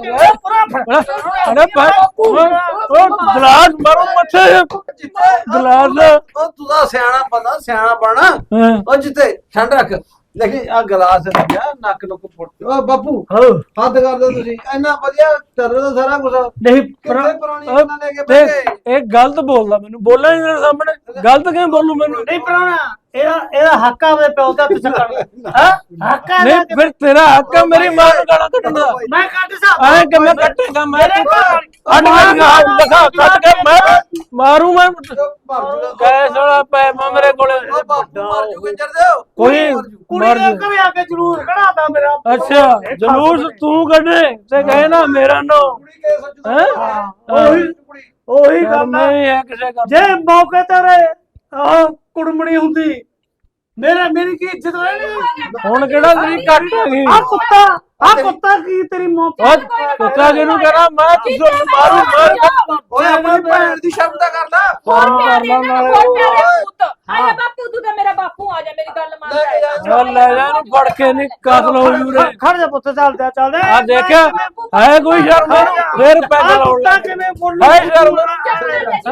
Speaker 4: ਅਰੇ ਬਾਪੂ ਉਹ ਗਲਾਸ ਮਾਰੂ ਮੱਥੇ ਗਲਾਸ।
Speaker 2: ਉਹ ਤੂੰ ਤਾਂ ਸਿਆਣਾ ਬੰਦਾ, ਸਿਆਣਾ ਬਣਾ।
Speaker 4: ਹਾਂ
Speaker 2: ਉਹ ਜਿੱਤੇ ਠੰਡ ਰੱਖ, ਦੇਖੀ ਆ ਗਲਾਸ ਲੱਗਿਆ ਨੱਕ ਨੁੱਕ ਫੁੱਟ। ਓ ਬਾਪੂ
Speaker 5: ਹੋ
Speaker 2: ਹੱਦ ਕਰਦੇ ਤੁਸੀਂ, ਇੰਨਾ ਵਧੀਆ ਚੱਲ ਰਿਹਾ ਸਾਰਾ ਕੁਝ,
Speaker 5: ਨਹੀਂ
Speaker 2: ਕਿੱਥੇ ਪੁਰਾਣੀ
Speaker 4: ਉਹ
Speaker 2: ਗੱਲਾਂ ਲੈ ਕੇ
Speaker 4: ਦੇਖ,
Speaker 2: ਬੈਠੇ।
Speaker 4: ਇਹ ਗਲਤ ਬੋਲਦਾ, ਮੈਨੂੰ ਬੋਲਣਾ ਨਹੀਂ ਮੇਰੇ ਸਾਹਮਣੇ। ਗਲਤ ਕਿਵੇਂ ਬੋਲੂ ਮੈਨੂੰ?
Speaker 5: ਨਹੀਂ ਪ੍ਰਾਹੁਣਾ, ਇਹਦਾ ਇਹਦਾ ਹੱਕ ਆ ਉਹਦੇ ਪਿਓ ਦਾ ਪਿੱਛੇ ਕਰਨ। ਹਾਂ ਹੱਕ ਆ
Speaker 4: ਨਹੀਂ ਫਿਰ ਤੇਰਾ ਹੱਕ ਆ ਮੇਰੀ ਮਾਂ ਨੂੰ ਗਾਲਾਂ ਕੱਢਣ ਦਾ।
Speaker 5: ਮੈਂ ਕੱਢ ਸਕਦਾ
Speaker 4: ਐ ਕਿ ਮੈਂ ਕੱਟੇਗਾ ਮੈਂ ਅੱਡ ਹੱਥ ਦਿਖਾ ਕੱਟ ਕੇ ਮੈਂ ਮਾਰੂ। ਮੈਂ ਕੈਸ ਵਾਲਾ ਪੈ ਮੇਰੇ ਕੋਲੇ
Speaker 2: ਉਹ ਬਾਪੂ ਮਰ ਜੂ ਕੰਜਰ ਦਿਓ।
Speaker 4: ਕੋਈ
Speaker 5: ਕੁੜੀ
Speaker 4: ਮਰ
Speaker 5: ਨੇ ਕਦੇ ਆ ਕੇ ਜਲੂਸ ਕਢਾਤਾ ਮੇਰਾ।
Speaker 4: ਅੱਛਾ ਜਲੂਸ ਤੂੰ ਕੱਢੇ ਤੇ ਕਹੇ ਨਾ ਮੇਰਾ ਨੋ
Speaker 2: ਕੁੜੀ ਕੇ ਸੱਚ
Speaker 4: ਹੈਂ?
Speaker 5: ਉਹੀ ਉਹੀ ਗੱਲ ਆ।
Speaker 4: ਨਹੀਂ ਹੈ ਕਿਸੇ ਕੰਮ
Speaker 5: ਜੇ ਮੌਕੇ ਤੇ ਰੇ ਆਹ ਕੁੜਮਣੀ ਹੁੰਦੀ ਮੇਰੇ ਮੇਰੀ ਕੀ ਇੱਜ਼ਤ ਰਹਿਣੀ।
Speaker 4: ਹੁਣ ਕਿਹੜਾ ਤੇਰੀ ਕੱਟ ਹੈਗੀ?
Speaker 5: ਆ ਕੁੱਤਾ ਆ ਕੁੱਤਾ ਕੀ ਤੇਰੀ ਮੌਤ
Speaker 4: ਉਹ ਕੁੱਤਾ ਜਿਹਨੂੰ ਕਹਣਾ ਮੈਂ ਤੁਹਾਨੂੰ ਮਾਰੂ ਮਾਰ
Speaker 2: ਓਏ ਆਪਣੀ ਭੈਣ ਦੀ ਸ਼ਬਦ ਦਾ ਕਰ ਲੈ।
Speaker 1: ਹੋਰ
Speaker 4: ਹਾਂ,
Speaker 1: ਪਿਆਰੇ
Speaker 4: ਮਾਰਨਾ
Speaker 1: ਨਾਲ
Speaker 4: ਨਾਲੇ
Speaker 1: ਹੋਰ ਪਿਆਰੇ ਪੁੱਤ। ਆਇਆ ਬਾਪੂ ਤੂੰ ਤਾਂ ਮੇਰਾ ਬਾਪੂ, ਆ ਜਾ ਮੇਰੀ ਗੱਲ ਮੰਨ
Speaker 2: ਲੈ ਕੇ ਜਾ।
Speaker 4: ਚੱਲ ਲੈ ਜਾ ਇਹਨੂੰ ਫੜ ਕੇ ਨਹੀਂ ਕਤਲ ਹੋ ਜੂਰੇ।
Speaker 5: ਖੜ ਜਾ ਪੁੱਤ, ਚੱਲਦਾ ਚੱਲਦਾ
Speaker 4: ਆ ਦੇਖਿਆ ਹੈ ਕੋਈ ਸ਼ਰਮ ਇਹਨੂੰ? ਫੇਰ ਪੈਗ ਲਾਉਣ
Speaker 5: ਕੁੱਤਾ
Speaker 4: ਲੱਗ
Speaker 5: ਕਿਵੇਂ ਬੋਲੂ?
Speaker 4: ਹੈ ਸ਼ਰਮ?
Speaker 1: ਚੱਲ ਲੈ ਜਾ
Speaker 4: ਹੈਂ?
Speaker 1: ਜਿੱਤੇ,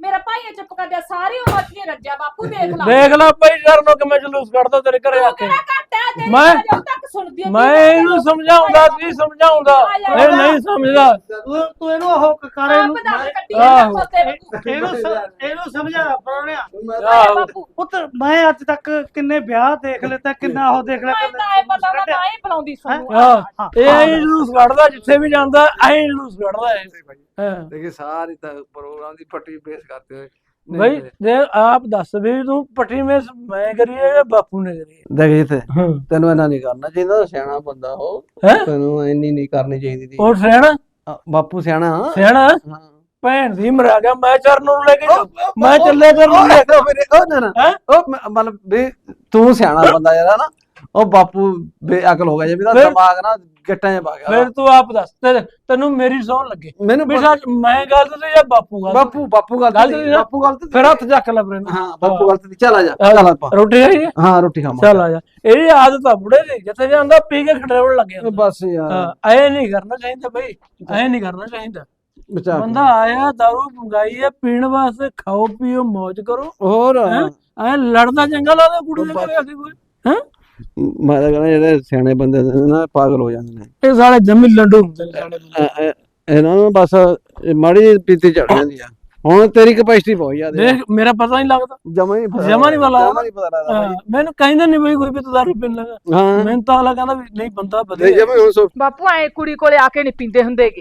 Speaker 1: ਮੇਰਾ ਭਾਈ ਆ ਚੁੱਪ ਕਰ ਜਾ, ਸਾਰੀ ਉਮਰ ਚ ਨਹੀਂ ਰੱਜਿਆ ਬਾਪੂ, ਦੇਖ ਲਾ
Speaker 4: ਦੇਖ ਲੈ ਭਾਈ ਸ਼ਰਨੋ ਕਿਵੇਂ ਜਲੂਸ ਕੱਢਦਾ ਤੇਰੇ ਘਰੇ ਆ
Speaker 1: ਤੂੰ
Speaker 4: ਕੇ।
Speaker 1: ਕਿਹੜਾ ਘੱਟ ਹੈ, ਤੇਰੀ
Speaker 4: ਮੈਂ-
Speaker 1: ਜਦੋਂ ਤੱਕ ਸੁਣਦੀ ਹੈ
Speaker 4: ਮੈਂ ਇਹਨੂੰ ਸਮਝਾਉਂਦਾ ਸੀ ਸਮਝਾਉਂਦਾ ਇਹ ਨਹੀਂ ਸਮਝਦਾ।
Speaker 5: ਤੂੰ ਤੂੰ ਇਹਨੂੰ ਉਹ ਕਰ ਇਹਨੂੰ
Speaker 1: ਆਪ ਦੱਸ ਕੱਢੀ
Speaker 4: ਆਹੋ।
Speaker 1: ਜਾਂਦਾ ਤੇਰੇ
Speaker 5: ਇਹਨੂੰ ਸ- ਇਹਨੂੰ ਸਮਝਾ ਪਰੋਣਿਆ
Speaker 4: ਆਹੋ।
Speaker 1: ਬਾਪੂ
Speaker 5: ਪੁੱਤ ਮੈਂ ਅੱਜ ਤੱਕ ਕਿੰਨੇ ਵਿਆਹ ਦੇਖ ਲਏ ਤੇ ਕਿੰਨਾ ਉਹ ਦੇਖ ਲਿਆ
Speaker 1: ਮੈਂ ਤਾਂ ਇਹ ਪਤਾ ਨਾ ਤਾਂ ਹੀ ਬੁਲਾਉਂਦੀ ਸੁਣੂ
Speaker 4: ਹਾਂ
Speaker 5: ਹਾਂ।
Speaker 4: ਇਹ ਐਂ ਜਲੂਸ ਕੱਢਦਾ ਜਿੱਥੇ ਵੀ ਜਾਂਦਾ ਐਂ ਜਲੂਸ ਕੱਢਦਾ ਇਹ। ਹਾਂ
Speaker 2: देखिए सारी प्रोग्राम की पट्टी पेश करते हुए
Speaker 4: भाई ਦੇ ਆਪ ਦੱਸ ਵੀ ਤੂੰ ਪੱਟੀ ਮੇ ਮੈਂ ਕਰੀਏ ਜਾਂ ਬਾਪੂ ਨੇ ਕਰੀਏ।
Speaker 2: ਦੇਖ ਜਿੱਥੇ
Speaker 4: ਹਾਂ
Speaker 2: ਤੈਨੂੰ ਇੰਨਾ ਨਹੀਂ ਕਰਨਾ ਚਾਹੀਦਾ, ਸਿਆਣਾ ਬੰਦਾ ਹੋ,
Speaker 4: ਹੈਂ?
Speaker 2: ਤੈਨੂੰ ਇੰਨੀ ਨਹੀਂ ਕਰਨੀ ਚਾਹੀਦੀ ਸੀ।
Speaker 4: ਉਹ ਸਿਆਣਾ
Speaker 2: ਆ, ਬਾਪੂ ਸਿਆਣਾ ਹਾਂ
Speaker 4: ਸਿਆਣਾ
Speaker 2: ਹਾਂ।
Speaker 4: ਭੈਣ ਦੀ ਮਰਾ ਗਿਆ ਮੈਂ ਚਰਨ ਨੂੰ ਲੈ ਕੇ ਜਾਊਂ। ਮੈਂ ਚੱਲੇ ਕਰ ਨੂੰ ਲੈ ਕੇ।
Speaker 2: ਉਹ ਮੇਰੇ ਉਹ ਨਾ ਨਾ
Speaker 4: ਹੈਂ?
Speaker 2: ਉਹ ਮ- ਮਤਲਬ ਵੀ ਤੂੰ ਸਿਆਣਾ ਬੰਦਾ ਯਾਰ ਨਾ, ਉਹ ਬਾਪੂ ਬੇਅਕਲ ਹੋ ਗਿਆ ਜੇ, ਇਹਦਾ
Speaker 4: ਫਿਰ-
Speaker 2: ਦਿਮਾਗ ਨਾ ਗਿੱਟਾਂ 'ਚ ਪਾ ਗਿਆ।
Speaker 4: ਫਿਰ ਤੂੰ ਆਪ ਦੱਸ ਤੇ- ਤੈਨੂੰ ਮੇਰੀ ਸੌਣ ਲੱਗੇ
Speaker 2: ਮੈਨੂੰ
Speaker 4: ਵੀ
Speaker 2: ਪਤਾ-
Speaker 4: ਸੱਚ ਮੈਂ ਗਲਤ ਸੀ ਜਾਂ ਬਾਪੂ ਗਲਤ ਸੀ?
Speaker 2: ਬਾਪੂ ਬਾਪੂ ਗੱਲ
Speaker 4: ਗਲਤ
Speaker 2: ਤੇ
Speaker 4: ਸੀ ਨਾ?
Speaker 2: ਬਾਪੂ ਗੱਲ ਤੇ
Speaker 4: ਫਿਰ ਹੱਥ ਚੱਕ ਲੈ ਬਰੇ
Speaker 2: ਹਾਂ ਬਾਪੂ ਗੱਲ ਤੇ ਚੱਲ ਆ ਜਾ, ਚੱਲ ਆਪਾਂ
Speaker 4: ਰੋਟੀ ਖਾਈਏ
Speaker 2: ਹਾਂ ਰੋਟੀ ਖਾਵਾਂਗੇ।
Speaker 4: ਚੱਲ ਆ ਜਾ। ਇਹਦੀ ਆਦਤ ਆ ਬੁੜੇ ਦੀ, ਜਿੱਥੇ ਜਾਂਦਾ ਪੀ ਕੇ ਖੜੇਵਣ ਲੱਗ ਜਾਂਦਾ।
Speaker 2: ਬਸ ਯਾਰ
Speaker 4: ਹਾਂ ਐ ਨਹੀਂ ਕਰਨਾ ਚਾਹੀਦਾ ਬਈ, ਐ ਨਹੀਂ ਕਰਨਾ ਚਾਹੀਦਾ।
Speaker 2: ਬਚਾ ਕੇ।
Speaker 4: ਬੰਦਾ ਆਇਆ ਦਾਰੂ ਮੰਗਾਈ ਹੈ ਪੀਣ ਵਾਸਤੇ, ਖਾਓ ਪੀਓ ਮौज ਕਰੋ।
Speaker 2: ਹੋਰ
Speaker 4: ਹੈਂ? ਐ ਲੜਦਾ ਚੰਗਾ ਲੱਗਦਾ ਕੁੜੀ ਦੇ ਘਰੇ ਆ ਕੇ ਕੋਈ। ਹੈਂ?
Speaker 2: ਮੈਂ ਤਾਂ ਕਹਿੰਦਾ ਜਿਹੜੇ ਸਿਆਣੇ ਬੰਦੇ ਨੇ ਨਾ ਪਾਗਲ ਹੋ ਜਾਂਦੇ ਨੇ।
Speaker 4: ਇਹ ਸਾਲੇ ਜੰਮੀ ਲੰਡੂ ਹੁੰਦੇ ਨੇ ਸਾਡੇ ਬੰਦੇ।
Speaker 2: ਇਹ- ਇਹ- ਇਹਨਾਂ ਨੂੰ ਬਸ ਇਹ ਮਾੜੀ ਜਿਹੀ ਪੀਤੀ ਚੜ ਜਾਂਦੀ ਆ। ਹੁਣ ਤੇਰੀ ਕਪੈਸਿਟੀ ਬਹੁਤ ਜ਼ਿਆਦਾ
Speaker 4: ਦੇਖ ਮੇਰਾ ਪਤਾ ਨਹੀਂ ਲੱਗਦਾ।
Speaker 2: ਜਮਾ ਹੀ ਪਤਾ
Speaker 4: ਜਮਾਂ ਨੀ ਪਤਾ ਲੱਗਦਾ।
Speaker 2: ਜਮਾਂ ਨੀ ਪਤਾ ਲੱਗਦਾ
Speaker 4: ਹਾਂ, ਮੈਨੂੰ ਕਹਿੰਦਾ ਨਹੀਂ ਬਈ ਕੋਈ ਵੀ ਤੂੰ ਦਾਰੂ ਪੀਣ ਲੱਗਾ।
Speaker 2: ਹਾਂ
Speaker 4: ਮੈਨੂੰ ਤਾਂ ਅਗਲਾ ਕਹਿੰਦਾ ਵੀ ਨਹੀਂ ਬੰਦਾ
Speaker 2: ਨਹੀਂ
Speaker 4: ਵਧੀਆ।
Speaker 2: ਜਮਾ ਹੁਣ ਸੋ
Speaker 1: ਬਾਪੂ ਐ ਕੁੜੀ ਕੋਲੇ ਆ ਕੇ ਨਹੀਂ ਪੀਂਦੇ ਹੁੰਦੇਗੇ,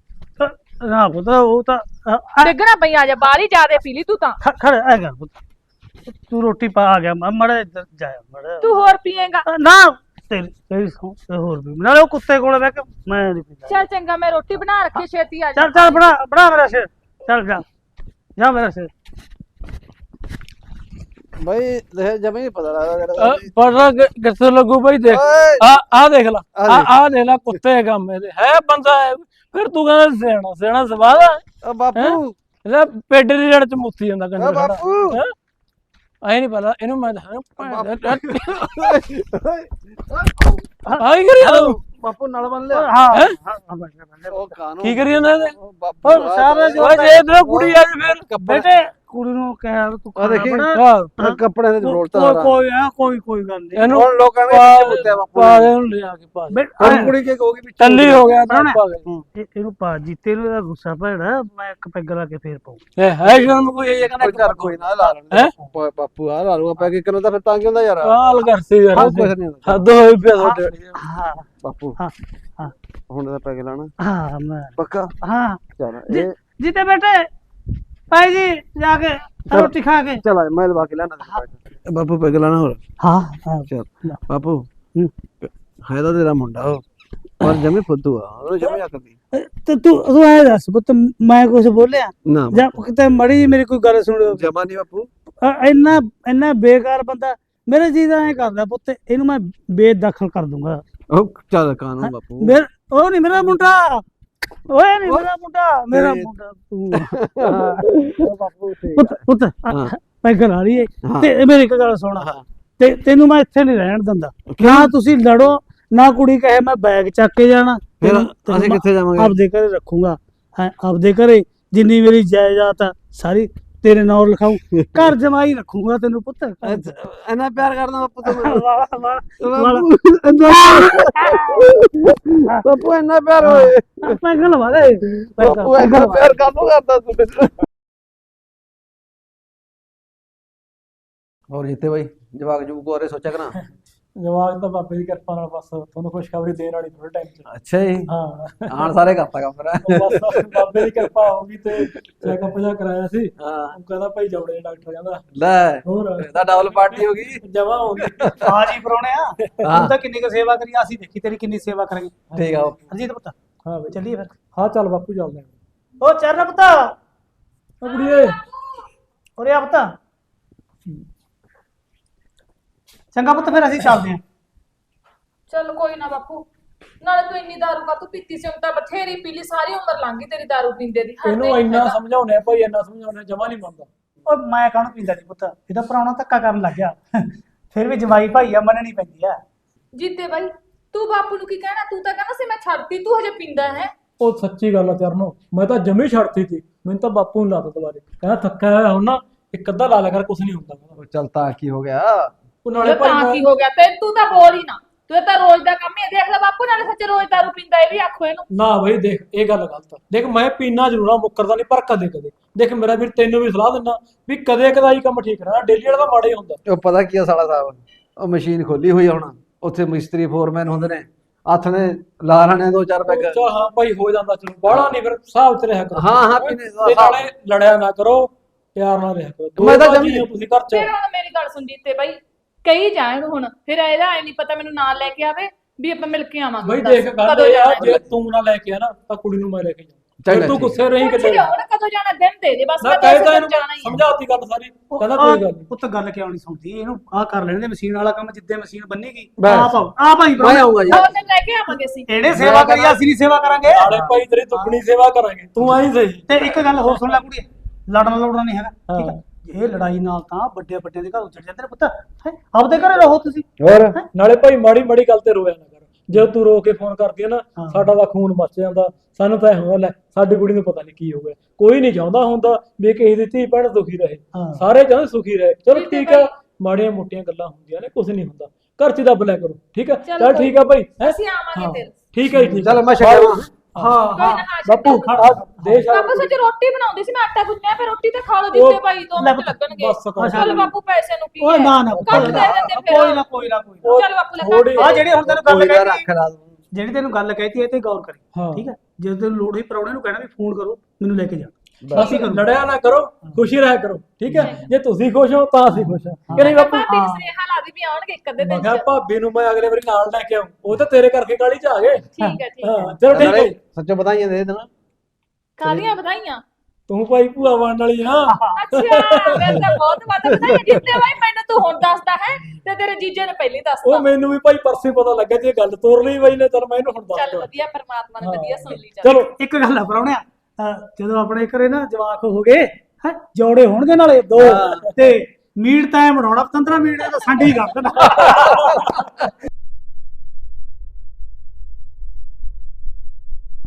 Speaker 5: ਨਾ ਪੁੱਤ ਉਹ ਤਾਂ ਅ- ਅ-
Speaker 1: ਡਿੱਗਣਾ ਪਈ ਆ ਜਾ, ਬਾਹਰ ਹੀ ਜ਼ਿਆਦੇ ਪੀ ਲਈ ਤੂੰ ਤਾਂ।
Speaker 5: ਖ- ਖੜ ਐ ਕਰ ਪੁੱਤ ਤੂੰ ਰੋਟੀ ਪਾ ਆ ਗਿਆ ਮੜਾ ਇੱਧਰ ਜਾਇਆ ਮੜਾ
Speaker 1: ਤੂੰ ਹੋਰ ਪੀਏਗਾ?
Speaker 5: ਨਾ ਤੇਰੀ ਤੇਰੀ ਸਹੁੰ ਤੇ ਹੋਰ ਵੀ ਨਾਲੇ ਉਹ ਕੁੱਤੇ ਕੋਲੇ ਬਹਿ ਕੇ ਮੈਂ ਨਹੀਂ ਪੀਂਦਾ।
Speaker 1: ਚੱਲ ਚੰਗਾ, ਮੈਂ ਰੋਟੀ ਬਣਾ ਰੱਖੀ, ਛੇਤੀ ਆ ਜਾ।
Speaker 5: ਚੱਲ ਚੱਲ ਬਣਾ ਬਣਾ ਮੇਰਾ ਸਿਰ, ਚੱਲ ਜਾ ਜਾ ਮੇਰਾ ਸਿਰ।
Speaker 2: ਬਈ ਦੇਖ ਜਮਾ ਹੀ ਪਤਾ ਲੱਗਦਾ
Speaker 4: ਅ, ਪਤਾ ਕਿ- ਕਿੱਥੇ ਲੱਗੂ ਬਈ ਦੇਖ
Speaker 2: ਓਏ
Speaker 4: ਆ ਆ ਦੇਖ ਲਾ
Speaker 2: ਆਹ
Speaker 4: ਆ
Speaker 2: ਦੇਖ।
Speaker 4: ਆ ਦੇਖ ਲਾ ਕੁੱਤੇ ਕੰਮ ਇਹਦੇ ਹੈ ਬੰਦਾ ਹੈ। ਫਿਰ ਤੂੰ ਕਹਿੰਦਾ ਸਿਆਣਾ ਸਿਆਣਾ ਸਵਾਦ ਆ
Speaker 2: ਓ ਬਾਪੂ
Speaker 4: ਇਹਦਾ ਪੇਡ ਦੀ ਜੜ ਚ ਮੁੱਤੀ ਜਾਂਦਾ
Speaker 2: ਓ
Speaker 4: ਕੰਜਰ ਖੜਾ
Speaker 2: ਬਾਪੂ
Speaker 4: ਐ ਨਹੀਂ ਪਤਾ ਇਹਨੂੰ ਮੈਂ ਦੱਸਾਂ
Speaker 2: ਬਾਪੂ
Speaker 4: ਆ ਕੀ ਕਰੀ ਜਾਂਦਾ
Speaker 2: ਬਾਪੂ ਨਾਲ ਬੰਨ ਲਿਆ।
Speaker 5: ਹਾਂ
Speaker 4: ਹੈਂ?
Speaker 5: ਹਾਂ ਹਾਂ ਬਸ ਕਰ ਲੈ।
Speaker 2: ਉਹ ਕਾਨੂੰ
Speaker 4: ਕੀ ਕਰੀ ਜਾਂਦਾ ਇਹਦੇ
Speaker 2: ਉਹ ਬਾਪੂ
Speaker 5: ਉਹ ਸਾਰਾ ਜੋ
Speaker 4: ਓਏ ਜੇ ਇਧਰ ਕੁੜੀ ਆ ਜੀ ਫਿਰ
Speaker 2: ਕੱਪੜੇ
Speaker 5: ਬੇਟੇ ਕੁੜੀ ਨੂੰ ਕਹਿ ਤੂੰ
Speaker 2: ਆ ਦੇਖੀ
Speaker 5: ਖਾਣਾ
Speaker 4: ਆਹ,
Speaker 2: ਆਹ ਕੱਪੜੇ ਦੇ
Speaker 5: ਬਣਾ।
Speaker 2: ਰੋਲਤਾ
Speaker 5: ਕੋਈ ਕੋਈ ਆ ਕੋਈ ਕੋਈ ਗੱਲ ਨਹੀਂ।
Speaker 4: ਇਹਨੂੰ
Speaker 2: ਹੁਣ ਲੋਕਾਂ ਨੇ
Speaker 4: ਪਾ-
Speaker 2: ਕਿੱਥੇ ਮੁੱਤਿਆ ਬਾਪੂ
Speaker 4: ਪਾ
Speaker 2: ਨੇ।
Speaker 4: ਦੇ ਉਹਨੂੰ ਲਿਆ ਕੇ ਪਾ ਦੇ।
Speaker 5: ਬੇ-
Speaker 2: ਹੁਣ ਕੁੜੀ ਕੀ ਕਹੂਗੀ ਵੀ
Speaker 4: ਟੱਲੀ ਹੋ ਗਿਆ ਤਾਂ
Speaker 5: ਪ੍ਰਾਹੁਣਾ।
Speaker 4: ਪਾ ਦੇ।
Speaker 5: ਇਹ- ਇਹਨੂੰ ਪਾ ਜੀਤੇ ਨੂੰ ਇਹਦਾ ਗੁੱਸਾ ਭੈੜਾ, ਮੈਂ ਇੱਕ ਪੈਗ ਲਾ ਕੇ ਫੇਰ ਪਾਉ।
Speaker 4: ਇਹ ਹੈ ਸ਼ਰਮ ਕੋਈ ਇਹ
Speaker 2: ਕੋਈ
Speaker 4: ਕਹਿੰਦਾ
Speaker 2: ਚੱਲ ਕੋਈ ਨਾ ਲਾ ਲੈਣ
Speaker 4: ਹੈਂ?
Speaker 2: ਦੇ। ਬਾਪੂ ਆ ਲਾ ਲੂਗਾ ਪੈ ਕੇ ਕਿਨੂੰ ਤਾਂ ਫਿਰ ਤਾਂ ਕੀ ਹੁੰਦਾ ਯਾਰ।
Speaker 4: ਕਾਲ ਕਰਸੀ ਯਾਰ
Speaker 2: ਹਾਂ ਕੁਛ ਨਹੀਂ ਹੁੰਦਾ।
Speaker 4: ਹੱਦ ਹੋਈ ਪਿਆ ਤੁਹਾਡੇ ਵਾਲੀ।
Speaker 5: ਹਾਂ
Speaker 2: ਬਾਪੂ
Speaker 5: ਹਾਂ ਹਾਂ
Speaker 2: ਹੁਣ ਤਾਂ ਪੈ ਕੇ ਲਾਣਾ
Speaker 5: ਹਾਂ ਮੈਂ
Speaker 2: ਪੱਕਾ
Speaker 5: ਹਾਂ
Speaker 2: ਚੱਲ
Speaker 5: ਜੀ-
Speaker 2: ਇਹ
Speaker 5: ਜੀਤੇ ਬੇਟੇ ਭਾਈ ਜੀ ਜਾ ਕੇ ਰੋਟੀ ਖਾ ਕੇ।
Speaker 2: ਚਲ ਆ ਮੈਂ ਲਵਾ ਕੇ ਲਾਣਾ ਬਾਪੂ ਪੈ ਕੇ ਲਾਣਾ ਹੋਰ
Speaker 5: ਹਾਂ ਹਾਂ
Speaker 2: ਚੱਲ ਬਾਪੂ
Speaker 5: ਹੂੰ।
Speaker 2: ਹੈ ਤਾਂ ਤੇਰਾ ਮੁੰਡਾ ਉਹ ਪਰ ਜਮੇ ਫੁੱਦੂ ਆ ਉਹ ਜਮੇ ਆਕਦੀ
Speaker 5: ਤੇ ਤੂੰ ਤੂੰ ਐ ਦੱਸ ਪੁੱਤ ਮੈਂ ਕੁਝ ਬੋਲਿਆ
Speaker 2: ਨਾ
Speaker 5: ਜਾਂ ਕਿਤੇ ਮੜੀ ਜਿਹੀ ਮੇਰੀ ਕੋਈ ਗੱਲ ਸੁਣਿਓ।
Speaker 2: ਜਮਾ ਨਹੀਂ ਬਾਪੂ
Speaker 5: ਅ- ਇੰਨਾ ਇੰਨਾ ਬੇਕਾਰ ਬੰਦਾ ਮੇਰੇ ਜੀ ਦਾ ਐ ਕਰਦਾ ਪੁੱਤ, ਇਹਨੂੰ ਮੈਂ ਬੇਦਖਲ ਕਰ ਦੂੰਗਾ।
Speaker 2: ਉਹ ਚੱਲ ਕਾਨੂੰ ਬਾਪੂ
Speaker 5: ਮੇਰ ਉਹ ਨਹੀਂ ਮੇਰਾ ਮੁੰਡਾ, ਓਏ ਨਹੀਂ ਮੇਰਾ ਮੁੰਡਾ, ਮੇਰਾ
Speaker 2: ਤੇ-
Speaker 5: ਮੁੰਡਾ ਤੂੰ।
Speaker 2: ਉਹ ਬਾਪੂ ਤੇ
Speaker 5: ਪੁੱਤ ਪੁੱਤ
Speaker 2: ਹਾਂ।
Speaker 5: ਮੈਂ ਗੱਲ ਆ ਰਹੀ ਹੈ
Speaker 2: ਹਾਂ।
Speaker 5: ਤੇ ਮੇਰੀ ਇੱਕ ਗੱਲ ਸੁਣ,
Speaker 2: ਹਾਂ।
Speaker 5: ਤੇ ਤੈਨੂੰ ਮੈਂ ਇੱਥੇ ਨਹੀਂ ਰਹਿਣ ਦਿੰਦਾ। ਨਾ ਤੁਸੀਂ ਲੜੋ, ਨਾ ਕੁੜੀ ਕਹੇ ਮੈਂ ਬੈਗ ਚੱਕ ਕੇ ਜਾਣਾ।
Speaker 2: ਫਿਰ
Speaker 5: ਤੈਨੂੰ- ਤੈਨੂੰ
Speaker 2: ਅਸੀਂ
Speaker 5: ਮੈਂ
Speaker 2: ਕਿੱਥੇ ਜਾਵਾਂਗੇ
Speaker 5: ਆਪਦੇ ਘਰੇ ਰੱਖੂੰਗਾ। ਹੈਂ, ਆਪਦੇ ਘਰੇ ਜਿੰਨੀ ਮੇਰੀ ਜਾਇਦਾਦ ਆ ਸਾਰੀ ਤੇਰੇ ਨਾਂ ਲਿਖਾਉ, ਘਰ ਜਮਾਈ ਰੱਖੂੰਗਾ ਤੈਨੂੰ ਪੁੱਤ।
Speaker 2: ਇੰਨਾ ਪਿਆਰ ਕਰਦਾ ਬਾਪੂ ਤੂੰ ਮੈਨੂੰ
Speaker 5: ਵਾਲਾ ਵਾਲਾ ਵਾਲਾ
Speaker 2: ਬਾਪੂ ਇੰਨਾ ਪਿਆਰ ਹੋਏ
Speaker 5: ਮੈਂ ਗੱਲ ਵਾਲੇ
Speaker 2: ਬਾਪੂ ਇੰਨਾ ਪਿਆਰ ਕਾਹਨੂੰ ਕਰਦਾ ਤੂੰ ਮੈਨੂੰ ਹੋਰ ਜਿੱਤੇ ਬਾਈ ਜਵਾਕ ਜੂਕ ਬਾਰੇ ਸੋਚਿਆ ਕਰਾਂ
Speaker 4: ਜਵਾਬ ਤਾਂ ਬਾਬੇ ਦੀ ਕਿਰਪਾ ਨਾਲ ਬਸ ਤੁਹਾਨੂੰ ਖੁਸ਼ਖਬਰੀ ਦੇਣ ਵਾਲੀ ਥੋੜੇ ਟਾਈਮ ਚ।
Speaker 2: ਅੱਛਾ ਜੀ
Speaker 4: ਹਾਂ
Speaker 2: ਆਣ ਸਾਰੇ ਕਰਤਾ ਕੰਮ ਫਿਰ
Speaker 4: ਬਸ ਬਾਬੇ ਦੀ ਕਿਰਪਾ ਹੋ ਗਈ ਤੇ ਚੈੱਕਅਪ ਜਿਹਾ ਕਰਾਇਆ ਸੀ।
Speaker 2: ਹਾਂ
Speaker 4: ਉਹ ਕਹਿੰਦਾ ਭਾਈ ਜਬੜੇ ਡਾਕਟਰ ਕਹਿੰਦਾ
Speaker 2: ਲੈ
Speaker 4: ਹੋਰ
Speaker 2: ਇਹਦਾ ਡਬਲ ਪਾਰਟੀ ਹੋ ਗਈ
Speaker 4: ਜਮਾ ਹੋ ਗਈ।
Speaker 5: ਹਾਂ ਜੀ ਪਰੋਣਿਆ,
Speaker 2: ਹਾਂ।
Speaker 5: ਤੂੰ ਤਾਂ ਕਿੰਨੀ ਕੁ ਸੇਵਾ ਕਰੀ, ਅਸੀਂ ਦੇਖੀ ਤੇਰੀ ਕਿੰਨੀ ਸੇਵਾ ਕਰਾਂਗੇ।
Speaker 2: ਠੀਕ ਆ
Speaker 5: ਹਰਜੀਤ ਪੁੱਤ
Speaker 4: ਹਾਂ ਬਈ
Speaker 5: ਚੱਲੀਏ ਫਿਰ।
Speaker 4: ਹਾਂ ਚੱਲ ਬਾਪੂ ਚੱਲਦੇ ਆਂ।
Speaker 5: ਉਹ ਚਰਨ ਪੁੱਤ,
Speaker 4: ਉਹ ਕੁੜੀਏ
Speaker 5: ਉਰੇ ਆ ਪੁੱਤ। ਚੰਗਾ ਪੁੱਤ ਫਿਰ ਅਸੀਂ ਚੱਲਦੇ ਆਂ।
Speaker 1: ਚੱਲ ਕੋਈ ਨਾ ਬਾਪੂ, ਨਾਲੇ ਤੂੰ ਇੰਨੀ ਦਾਰੂ ਕਾ ਤੂੰ ਪੀਤੀ ਸੀ, ਹੁਣ ਤਾਂ ਬਥੇਰੀ ਪੀ ਲਈ, ਸਾਰੀ ਉਮਰ ਲੰਘ ਗਈ ਤੇਰੀ ਦਾਰੂ ਪੀਂਦੇ ਦੀ। ਹੱਦ
Speaker 4: ਇਹਨੂੰ
Speaker 1: ਹੀ
Speaker 4: ਇੰਨਾ
Speaker 1: ਹੈਗਾ।
Speaker 4: ਸਮਝਾਉਣੇ ਭਾਈ ਇੰਨਾ ਸਮਝਾਉਣੇ ਜਮਾ ਨਹੀਂ ਮੰਨਦਾ।
Speaker 5: ਉਹ ਮੈਂ ਕਾਹਨੂੰ ਪੀਂਦਾ ਨਹੀਂ ਪੁੱਤ, ਇਹਦਾ ਪ੍ਰਾਹੁਣਾ ਧੱਕਾ ਕਰਨ ਲੱਗ ਗਿਆ। ਫਿਰ ਵੀ ਜਵਾਈ ਭਾਈ ਆ, ਮੰਨਣੀ ਪੈਂਦੀ ਆ।
Speaker 1: ਜੀਤੇ ਬਾਈ ਤੂੰ ਬਾਪੂ ਨੂੰ ਕੀ ਕਹਿਣਾ, ਤੂੰ ਤਾਂ ਕਹਿੰਦਾ ਸੀ ਮੈਂ ਛੱਡਤੀ, ਤੂੰ ਹਜੇ ਪੀਂਦਾ ਹੈ।
Speaker 4: ਉਹ ਸੱਚੀ ਗੱਲ ਆ ਚਰਨੋ, ਮੈਂ ਤਾਂ ਜਮੀ ਛੱਡਤੀ ਸੀ। ਮੈਨੂੰ ਤਾਂ ਬਾਪੂ ਨੂੰ ਲਾ ਤਾ ਦੁਬਾਰੇ, ਕਹਿੰਦਾ ਥੱਕਿਆ ਹੋਇਆ ਹੁਣ ਨਾ ਇੱਕ ਅੱਧਾ ਲਾ ਲਿਆ ਕਰ, ਕੁਛ ਨਹੀਂ ਹੁੰਦਾ ਕਹਿੰਦਾ।
Speaker 2: ਉਹ ਚੱਲ ਤਾਂ ਕੀ ਹੋ ਗਿਆ?
Speaker 4: ਉਹ ਨਾਲੇ
Speaker 1: ਨਾਲੇ
Speaker 4: ਭਾਈ
Speaker 1: ਤਾਂ
Speaker 4: ਮੈਂ-
Speaker 1: ਕੀ ਹੋ ਗਿਆ ਤੇ ਤੂੰ ਤਾਂ ਬੋਲ ਹੀ ਨਾ, ਤੂੰ ਤਾਂ ਰੋਜ਼ ਦਾ ਕੰਮ ਹੀ ਹੈ। ਦੇਖ ਲੈ ਬਾਪੂ, ਨਾਲੇ ਸੱਚ ਰੋਜ਼ ਦਾਰੂ ਪੀਂਦਾ, ਇਹ ਵੀ ਆਖੋ ਇਹਨੂੰ।
Speaker 4: ਨਾ ਬਈ ਦੇਖ ਇਹ ਗੱਲ ਗਲਤ ਆ। ਦੇਖ ਮੈਂ ਪੀਣਾ ਜ਼ਰੂਰ ਆ, ਮੁੱਕਰਦਾ ਨਹੀਂ, ਪਰ ਕਦੇ ਕਦੇ ਦੇਖ ਮੇਰਾ ਵੀਰ ਤੈਨੂੰ ਵੀ ਸਲਾਹ ਦਿੰਦਾ ਵੀ ਕਦੇ ਕਦਾਈ ਕੰਮ ਠੀਕ ਰਹਿਣਾ, ਡੇਲੀ ਵਾਲਾ ਤਾਂ ਮਾੜਾ ਹੀ ਹੁੰਦਾ।
Speaker 2: ਉਹ ਪਤਾ ਕੀ ਆ ਸਾਲਾ ਸਾਹਿਬ, ਉਹ ਮਸ਼ੀਨ ਖੋਲੀ ਹੋਈ ਆ ਹੁਣ, ਉੱਥੇ ਮਿਸਤਰੀ ਫੋਰਮੈਨ ਹੁੰਦੇ ਨੇ, ਹੱਥ ਨੇ ਲਾ ਲੈਣੇ ਦੋ ਚਾਰ ਪੈਗ।
Speaker 4: ਚੱਲ ਹਾਂ ਭਾਈ ਹੋ ਜਾਂਦਾ, ਚਲੋ ਬਾਹਲਾ ਨਹੀਂ ਫਿਰ ਹਿਸਾਬ ਚ ਰਿਹਾ ਕਰੋ।
Speaker 2: ਹਾਂ ਹਾਂ ਪੀਣੇ ਦਾ
Speaker 4: ਤੇ
Speaker 2: ਹਿਸਾਬ।
Speaker 4: ਨਾਲੇ ਲੜਿਆ ਨਾ ਕਰੋ, ਪਿਆਰ ਨਾਲ ਰਿਹਾ ਕਰੋ। ਦੋ
Speaker 2: ਮੈਂ ਤਾਂ
Speaker 4: ਭਾਜੀ
Speaker 2: ਜਮੀ-
Speaker 4: ਹੋ ਤੁਸੀਂ ਘਰ ਚ।
Speaker 1: ਫਿਰ ਹੁਣ ਮੇਰੀ ਗੱਲ ਸੁਣ ਜੀਤੇ ਬਾਈ, ਕਹੀ ਜਾਏ ਇਹਨੂੰ ਹੁਣ, ਫਿਰ ਇਹਦਾ ਐ ਨਹੀਂ ਪਤਾ ਮੈਨੂੰ ਨਾਲ ਲੈ ਕੇ ਆਵੇ ਵੀ ਆਪਾਂ ਮਿਲ ਕੇ ਆਵਾਂਗੇ।
Speaker 4: ਬਈ
Speaker 1: ਦੱਸ,
Speaker 4: ਦੇਖ ਗੱਲ
Speaker 1: ਕਦੋਂ
Speaker 4: ਇਹ ਆ,
Speaker 1: ਜਾਣਾ
Speaker 4: ਜੇ ਤੂੰ ਨਾ ਲੈ ਕੇ ਆ ਨਾ ਤਾਂ ਕੁੜੀ ਨੂੰ ਮੈਂ ਲੈ ਕੇ ਜਾਵਾਂ।
Speaker 2: ਚੱਲ
Speaker 4: ਫਿਰ ਤੂੰ
Speaker 2: ਠੀਕ।
Speaker 4: ਗੁੱਸੇ ਰਹੀ
Speaker 1: ਪੁੱਛ
Speaker 4: ਕਿਤੇ
Speaker 1: ਲਿਓ ਨਾ ਕਦੋਂ ਜਾਣਾ, ਦਿਨ ਦੇ ਦੇ ਬਸ,
Speaker 4: ਨਾ
Speaker 1: ਮੈਂ
Speaker 4: ਕਹੇ
Speaker 1: ਦੋ
Speaker 4: ਤਾਂ
Speaker 1: ਦਿਨ
Speaker 4: ਇਹਨੂੰ
Speaker 1: ਜਾਣਾ ਹੀ ਆ।
Speaker 4: ਸਮਝਾਤੀ ਗੱਲ ਸਾਰੀ,
Speaker 5: ਉਹ
Speaker 4: ਕਹਿੰਦਾ
Speaker 5: ਆਹ
Speaker 4: ਕੋਈ ਗੱਲ ਨਹੀਂ।
Speaker 5: ਪੁੱਤ ਗੱਲ ਕਿਉਂ ਨਹੀਂ ਸੁਣਦੀ ਇਹਨੂੰ? ਆਹ ਕਰ ਲੈਣ ਦੇ ਮਸ਼ੀਨ ਵਾਲਾ ਕੰਮ, ਜਿੱਦੇ ਮਸ਼ੀਨ ਬੰਨੇਗੀ
Speaker 2: ਬਸ।
Speaker 5: ਆਪ ਆਓ, ਆਪ ਆਈ
Speaker 2: ਮੈਂ ਆਊਂਗਾ
Speaker 1: ਦੋ
Speaker 2: ਯਾਰ।
Speaker 1: ਦਿਨ ਲੈ ਕੇ ਆਵਾਂਗੇ ਅਸੀਂ।
Speaker 5: ਇਹਨੇ ਸੇਵਾ ਕਰੀ, ਅਸੀਂ ਨਹੀਂ ਸੇਵਾ ਕਰਾਂਗੇ।
Speaker 4: ਨਾਲੇ ਭਾਈ ਤੇਰੀ ਦੁੱਗਣੀ ਸੇਵਾ ਕਰਾਂਗੇ, ਤੂੰ ਆਈ ਸਹੀ।
Speaker 5: ਤੇ ਇੱਕ ਗੱਲ ਹੋਰ ਸੁਣ ਲੈ ਕੁੜੀ, ਲੜਨਾ ਲੜਨਾ ਨਹੀਂ ਹੈਗਾ, ਠੀਕ
Speaker 4: ਹਾਂ।
Speaker 5: ਹੈ? ਇਹ ਲੜਾਈ ਨਾਲ ਤਾਂ ਵੱਡੇ ਵੱਡਿਆਂ ਦੇ ਘਰ ਉੱਜੜ ਜਾਂਦੇ ਨੇ ਪੁੱਤ। ਹੈਂ? ਆਪਦੇ ਘਰੇ ਰਹੋ ਤੁਸੀਂ।
Speaker 2: ਹੋਰ
Speaker 4: ਨਾਲੇ ਭਾਈ ਮਾੜੀ ਮਾੜੀ ਗੱਲ ਤੇ ਰੋਇਆ ਨਾ ਕਰ, ਜੇ ਤੂੰ ਰੋ ਕੇ ਫੋਨ ਕਰਦੀ ਹੈ ਨਾ
Speaker 5: ਹਾਂ।
Speaker 4: ਸਾਡਾ ਤਾਂ ਖੂਨ ਮੱਚ ਜਾਂਦਾ। ਸਾਨੂੰ ਤਾਂ ਇਹ ਹੁੰਦਾ ਲੈ ਸਾਡੀ ਕੁੜੀ ਨੂੰ ਪਤਾ ਨਹੀਂ ਕੀ ਹੋ ਗਿਆ। ਕੋਈ ਨਹੀਂ ਚਾਹੁੰਦਾ ਹੁੰਦਾ ਵੀ ਕਿਸੇ ਦੀ ਧੀ ਭੈਣ ਦੁਖੀ ਰਹੇ,
Speaker 5: ਹਾਂ।
Speaker 4: ਸਾਰੇ ਚਾਹੁੰਦੇ ਸੁਖੀ ਰਹੇ। ਚਲੋ
Speaker 1: ਠੀਕ ਹੈ
Speaker 4: ਠੀਕ ਆ,
Speaker 1: ਭਾਈ।
Speaker 4: ਮਾੜੀਆਂ ਮੋਟੀਆਂ ਗੱਲਾਂ ਹੁੰਦੀਆਂ ਨੇ, ਕੁਝ ਨਹੀਂ ਹੁੰਦਾ, ਘਰ ਚ ਦੱਬ ਲਿਆ ਕਰੋ, ਠੀਕ ਆ?
Speaker 1: ਚਲੋ
Speaker 4: ਚੱਲ
Speaker 1: ਕੋਈ
Speaker 4: ਠੀਕ ਆ ਭਾਈ, ਹੈਂ?
Speaker 1: ਅਸੀਂ ਆਵਾਂਗੇ ਫਿਰ।
Speaker 4: ਠੀਕ ਹੈ ਜੀ, ਠੀਕ
Speaker 2: ਚੱਲ
Speaker 4: ਆ।
Speaker 2: ਮੈਂ ਛੱਡਿਆ ਵਾਂ।
Speaker 4: ਹਾਂ
Speaker 1: ਕੋਈ
Speaker 4: ਹਾਂ
Speaker 1: ਨਾ, ਹਾਂ,
Speaker 4: ਬਾਪੂ
Speaker 1: ਛੱਡੋ।
Speaker 4: ਖੜਾ ਦੇ ਸ਼ਾਮ
Speaker 1: ਬਾਪੂ ਸੱਚ ਰੋਟੀ ਬਣਾਉਂਦੀ ਸੀ, ਮੈਂ ਆਟਾ ਗੁੰਨਿਆ, ਫਿਰ ਰੋਟੀ ਤਾਂ ਖਾ ਲਓ
Speaker 4: ਉਹ
Speaker 1: ਜਿੱਤੇ ਭਾਈ, ਦੋ
Speaker 5: ਲੈ
Speaker 1: ਮਿੰਟ ਲੱਗਣਗੇ।
Speaker 4: ਬਸ ਕਰ।
Speaker 1: ਚੱਲ ਬਾਪੂ ਪੈਸੇ ਨੂੰ ਕੀ
Speaker 5: ਓਏ
Speaker 1: ਹੈ?
Speaker 5: ਨਾ ਨਾ
Speaker 1: ਕੱਟ ਦੇ ਦਿੰਦੇ ਫਿਰ।
Speaker 5: ਕੋਈ ਨਾ ਕੋਈ ਨਾ ਕੋਈ ਨਾ।
Speaker 4: ਉਹ
Speaker 1: ਚੱਲ ਬਾਪੂ ਲੈ
Speaker 4: ਥੋੜੀ-
Speaker 1: ਕੱਟ
Speaker 5: ਆ
Speaker 1: ਦੇ।
Speaker 5: ਜਿਹੜੀ ਹੁਣ ਤੈਨੂੰ ਗੱਲ
Speaker 2: ਕੋਈ ਨਾ
Speaker 5: ਕਹਿਤੀ,
Speaker 2: ਰੱਖ ਲਾ।
Speaker 5: ਜਿਹੜੀ ਤੈਨੂੰ ਗੱਲ ਕਹਿਤੀ ਇਹ ਤੇ ਗੌਰ ਕਰੀ,
Speaker 4: ਹਾਂ।
Speaker 5: ਠੀਕ ਹੈ? ਜਦੋਂ ਤੈਨੂੰ ਲੋੜ ਹੋਈ ਪ੍ਰਾਹੁਣੇ ਨੂੰ ਕਹਿਣਾ ਵੀ ਫੋਨ ਕਰੋ ਮੈਨੂੰ ਲੈ ਕੇ ਜਾ।
Speaker 4: ਬਸ ਲੜਿਆ ਨਾ ਕਰੋ, ਖੁਸ਼ੀ ਰਹਿ ਕਰੋ, ਠੀਕ ਹੈ? ਜੇ ਤੁਸੀਂ ਖੁਸ਼ ਹੋ ਤਾਂ ਅਸੀਂ ਖੁਸ਼ ਹਾਂ, ਕਿ ਨਹੀਂ ਬਾਪੂ?
Speaker 1: ਭਾਬੀ ਨੂੰ ਸੁਨੇਹਾ ਲਾ ਦੀ ਵੀ ਆਉਣਗੇ ਇੱਕ ਅੱਧੇ
Speaker 4: ਮੈਂ
Speaker 1: ਦਿਨ
Speaker 4: ਕਿਹਾ
Speaker 1: ਚ।
Speaker 4: ਭਾਬੀ ਨੂੰ ਮੈਂ ਅਗਲੇ ਵਾਰੀ ਨਾਲ ਲੈ ਕੇ ਆਉਂ, ਉਹ ਤਾਂ ਤੇਰੇ ਕਰਕੇ ਕਾਲੀ ਚ ਆ ਗਏ।
Speaker 1: ਠੀਕ ਹੈ ਠੀਕ ਹੈ।
Speaker 4: ਹਾਂ ਚਲੋ ਠੀਕ ਹੈ।
Speaker 2: ਸੱਚੋ ਬਤਾਈਏ ਦੇ ਦੇਣਾ।
Speaker 1: ਕਾਹਦੀਆਂ ਵਧਾਈਆਂ?
Speaker 4: ਤੂੰ ਭਾਈ ਭੂਆ ਬਣ ਵਾਲੀ ਆ।
Speaker 1: ਅੱਛਾ, ਮੈਂ ਤਾਂ ਬਹੁਤ ਵੱਧ ਵਧਾਈਆਂ ਜਿੱਤੇ ਬਾਈ, ਮੈਨੂੰ ਤੂੰ ਹੁਣ ਦੱਸਦਾ ਹੈ ਤੇ ਤੇਰੇ ਜੀਜੇ ਨੇ ਪਹਿਲਾਂ ਹੀ
Speaker 4: ਉਹ
Speaker 1: ਦੱਸਤਾ।
Speaker 4: ਮੈਨੂੰ ਵੀ ਭਾਈ ਪਰਸੇ ਪਤਾ ਲੱਗਾ ਜੇ ਗੱਲ ਤੋਰ ਲਈ ਬਾਈ ਨੇ, ਚਲ ਮੈਂ ਇਹਨੂੰ ਹੁਣ ਦੱਸ
Speaker 1: ਚੱਲ
Speaker 4: ਦਿਆਂ।
Speaker 1: ਵਧੀਆ, ਪਰਮਾਤਮਾ ਨੇ
Speaker 4: ਹਾਂ।
Speaker 1: ਵਧੀਆ ਸੁਣ ਲਈ। ਚੱਲ
Speaker 4: ਚਲੋ
Speaker 5: ਇੱਕ ਗੱਲ ਆ ਪ੍ਰਾਹੁਣਿਆ, ਅਹ ਜਦੋਂ ਆਪਣੇ ਘਰੇ ਨਾ ਜਵਾਕ ਹੋ ਗਏ ਹੈ, ਜੋੜੇ ਹੋਣਗੇ ਨਾਲੇ ਦੋ, ਤੇ ਮੀਟ ਤਾਂ ਐਂ ਬਣਾਉਣਾ ਪੰਦਰਾਂ ਮਿੰਟ ਦਾ ਸੰਡੀ ਕਰ ਦੇਣਾ।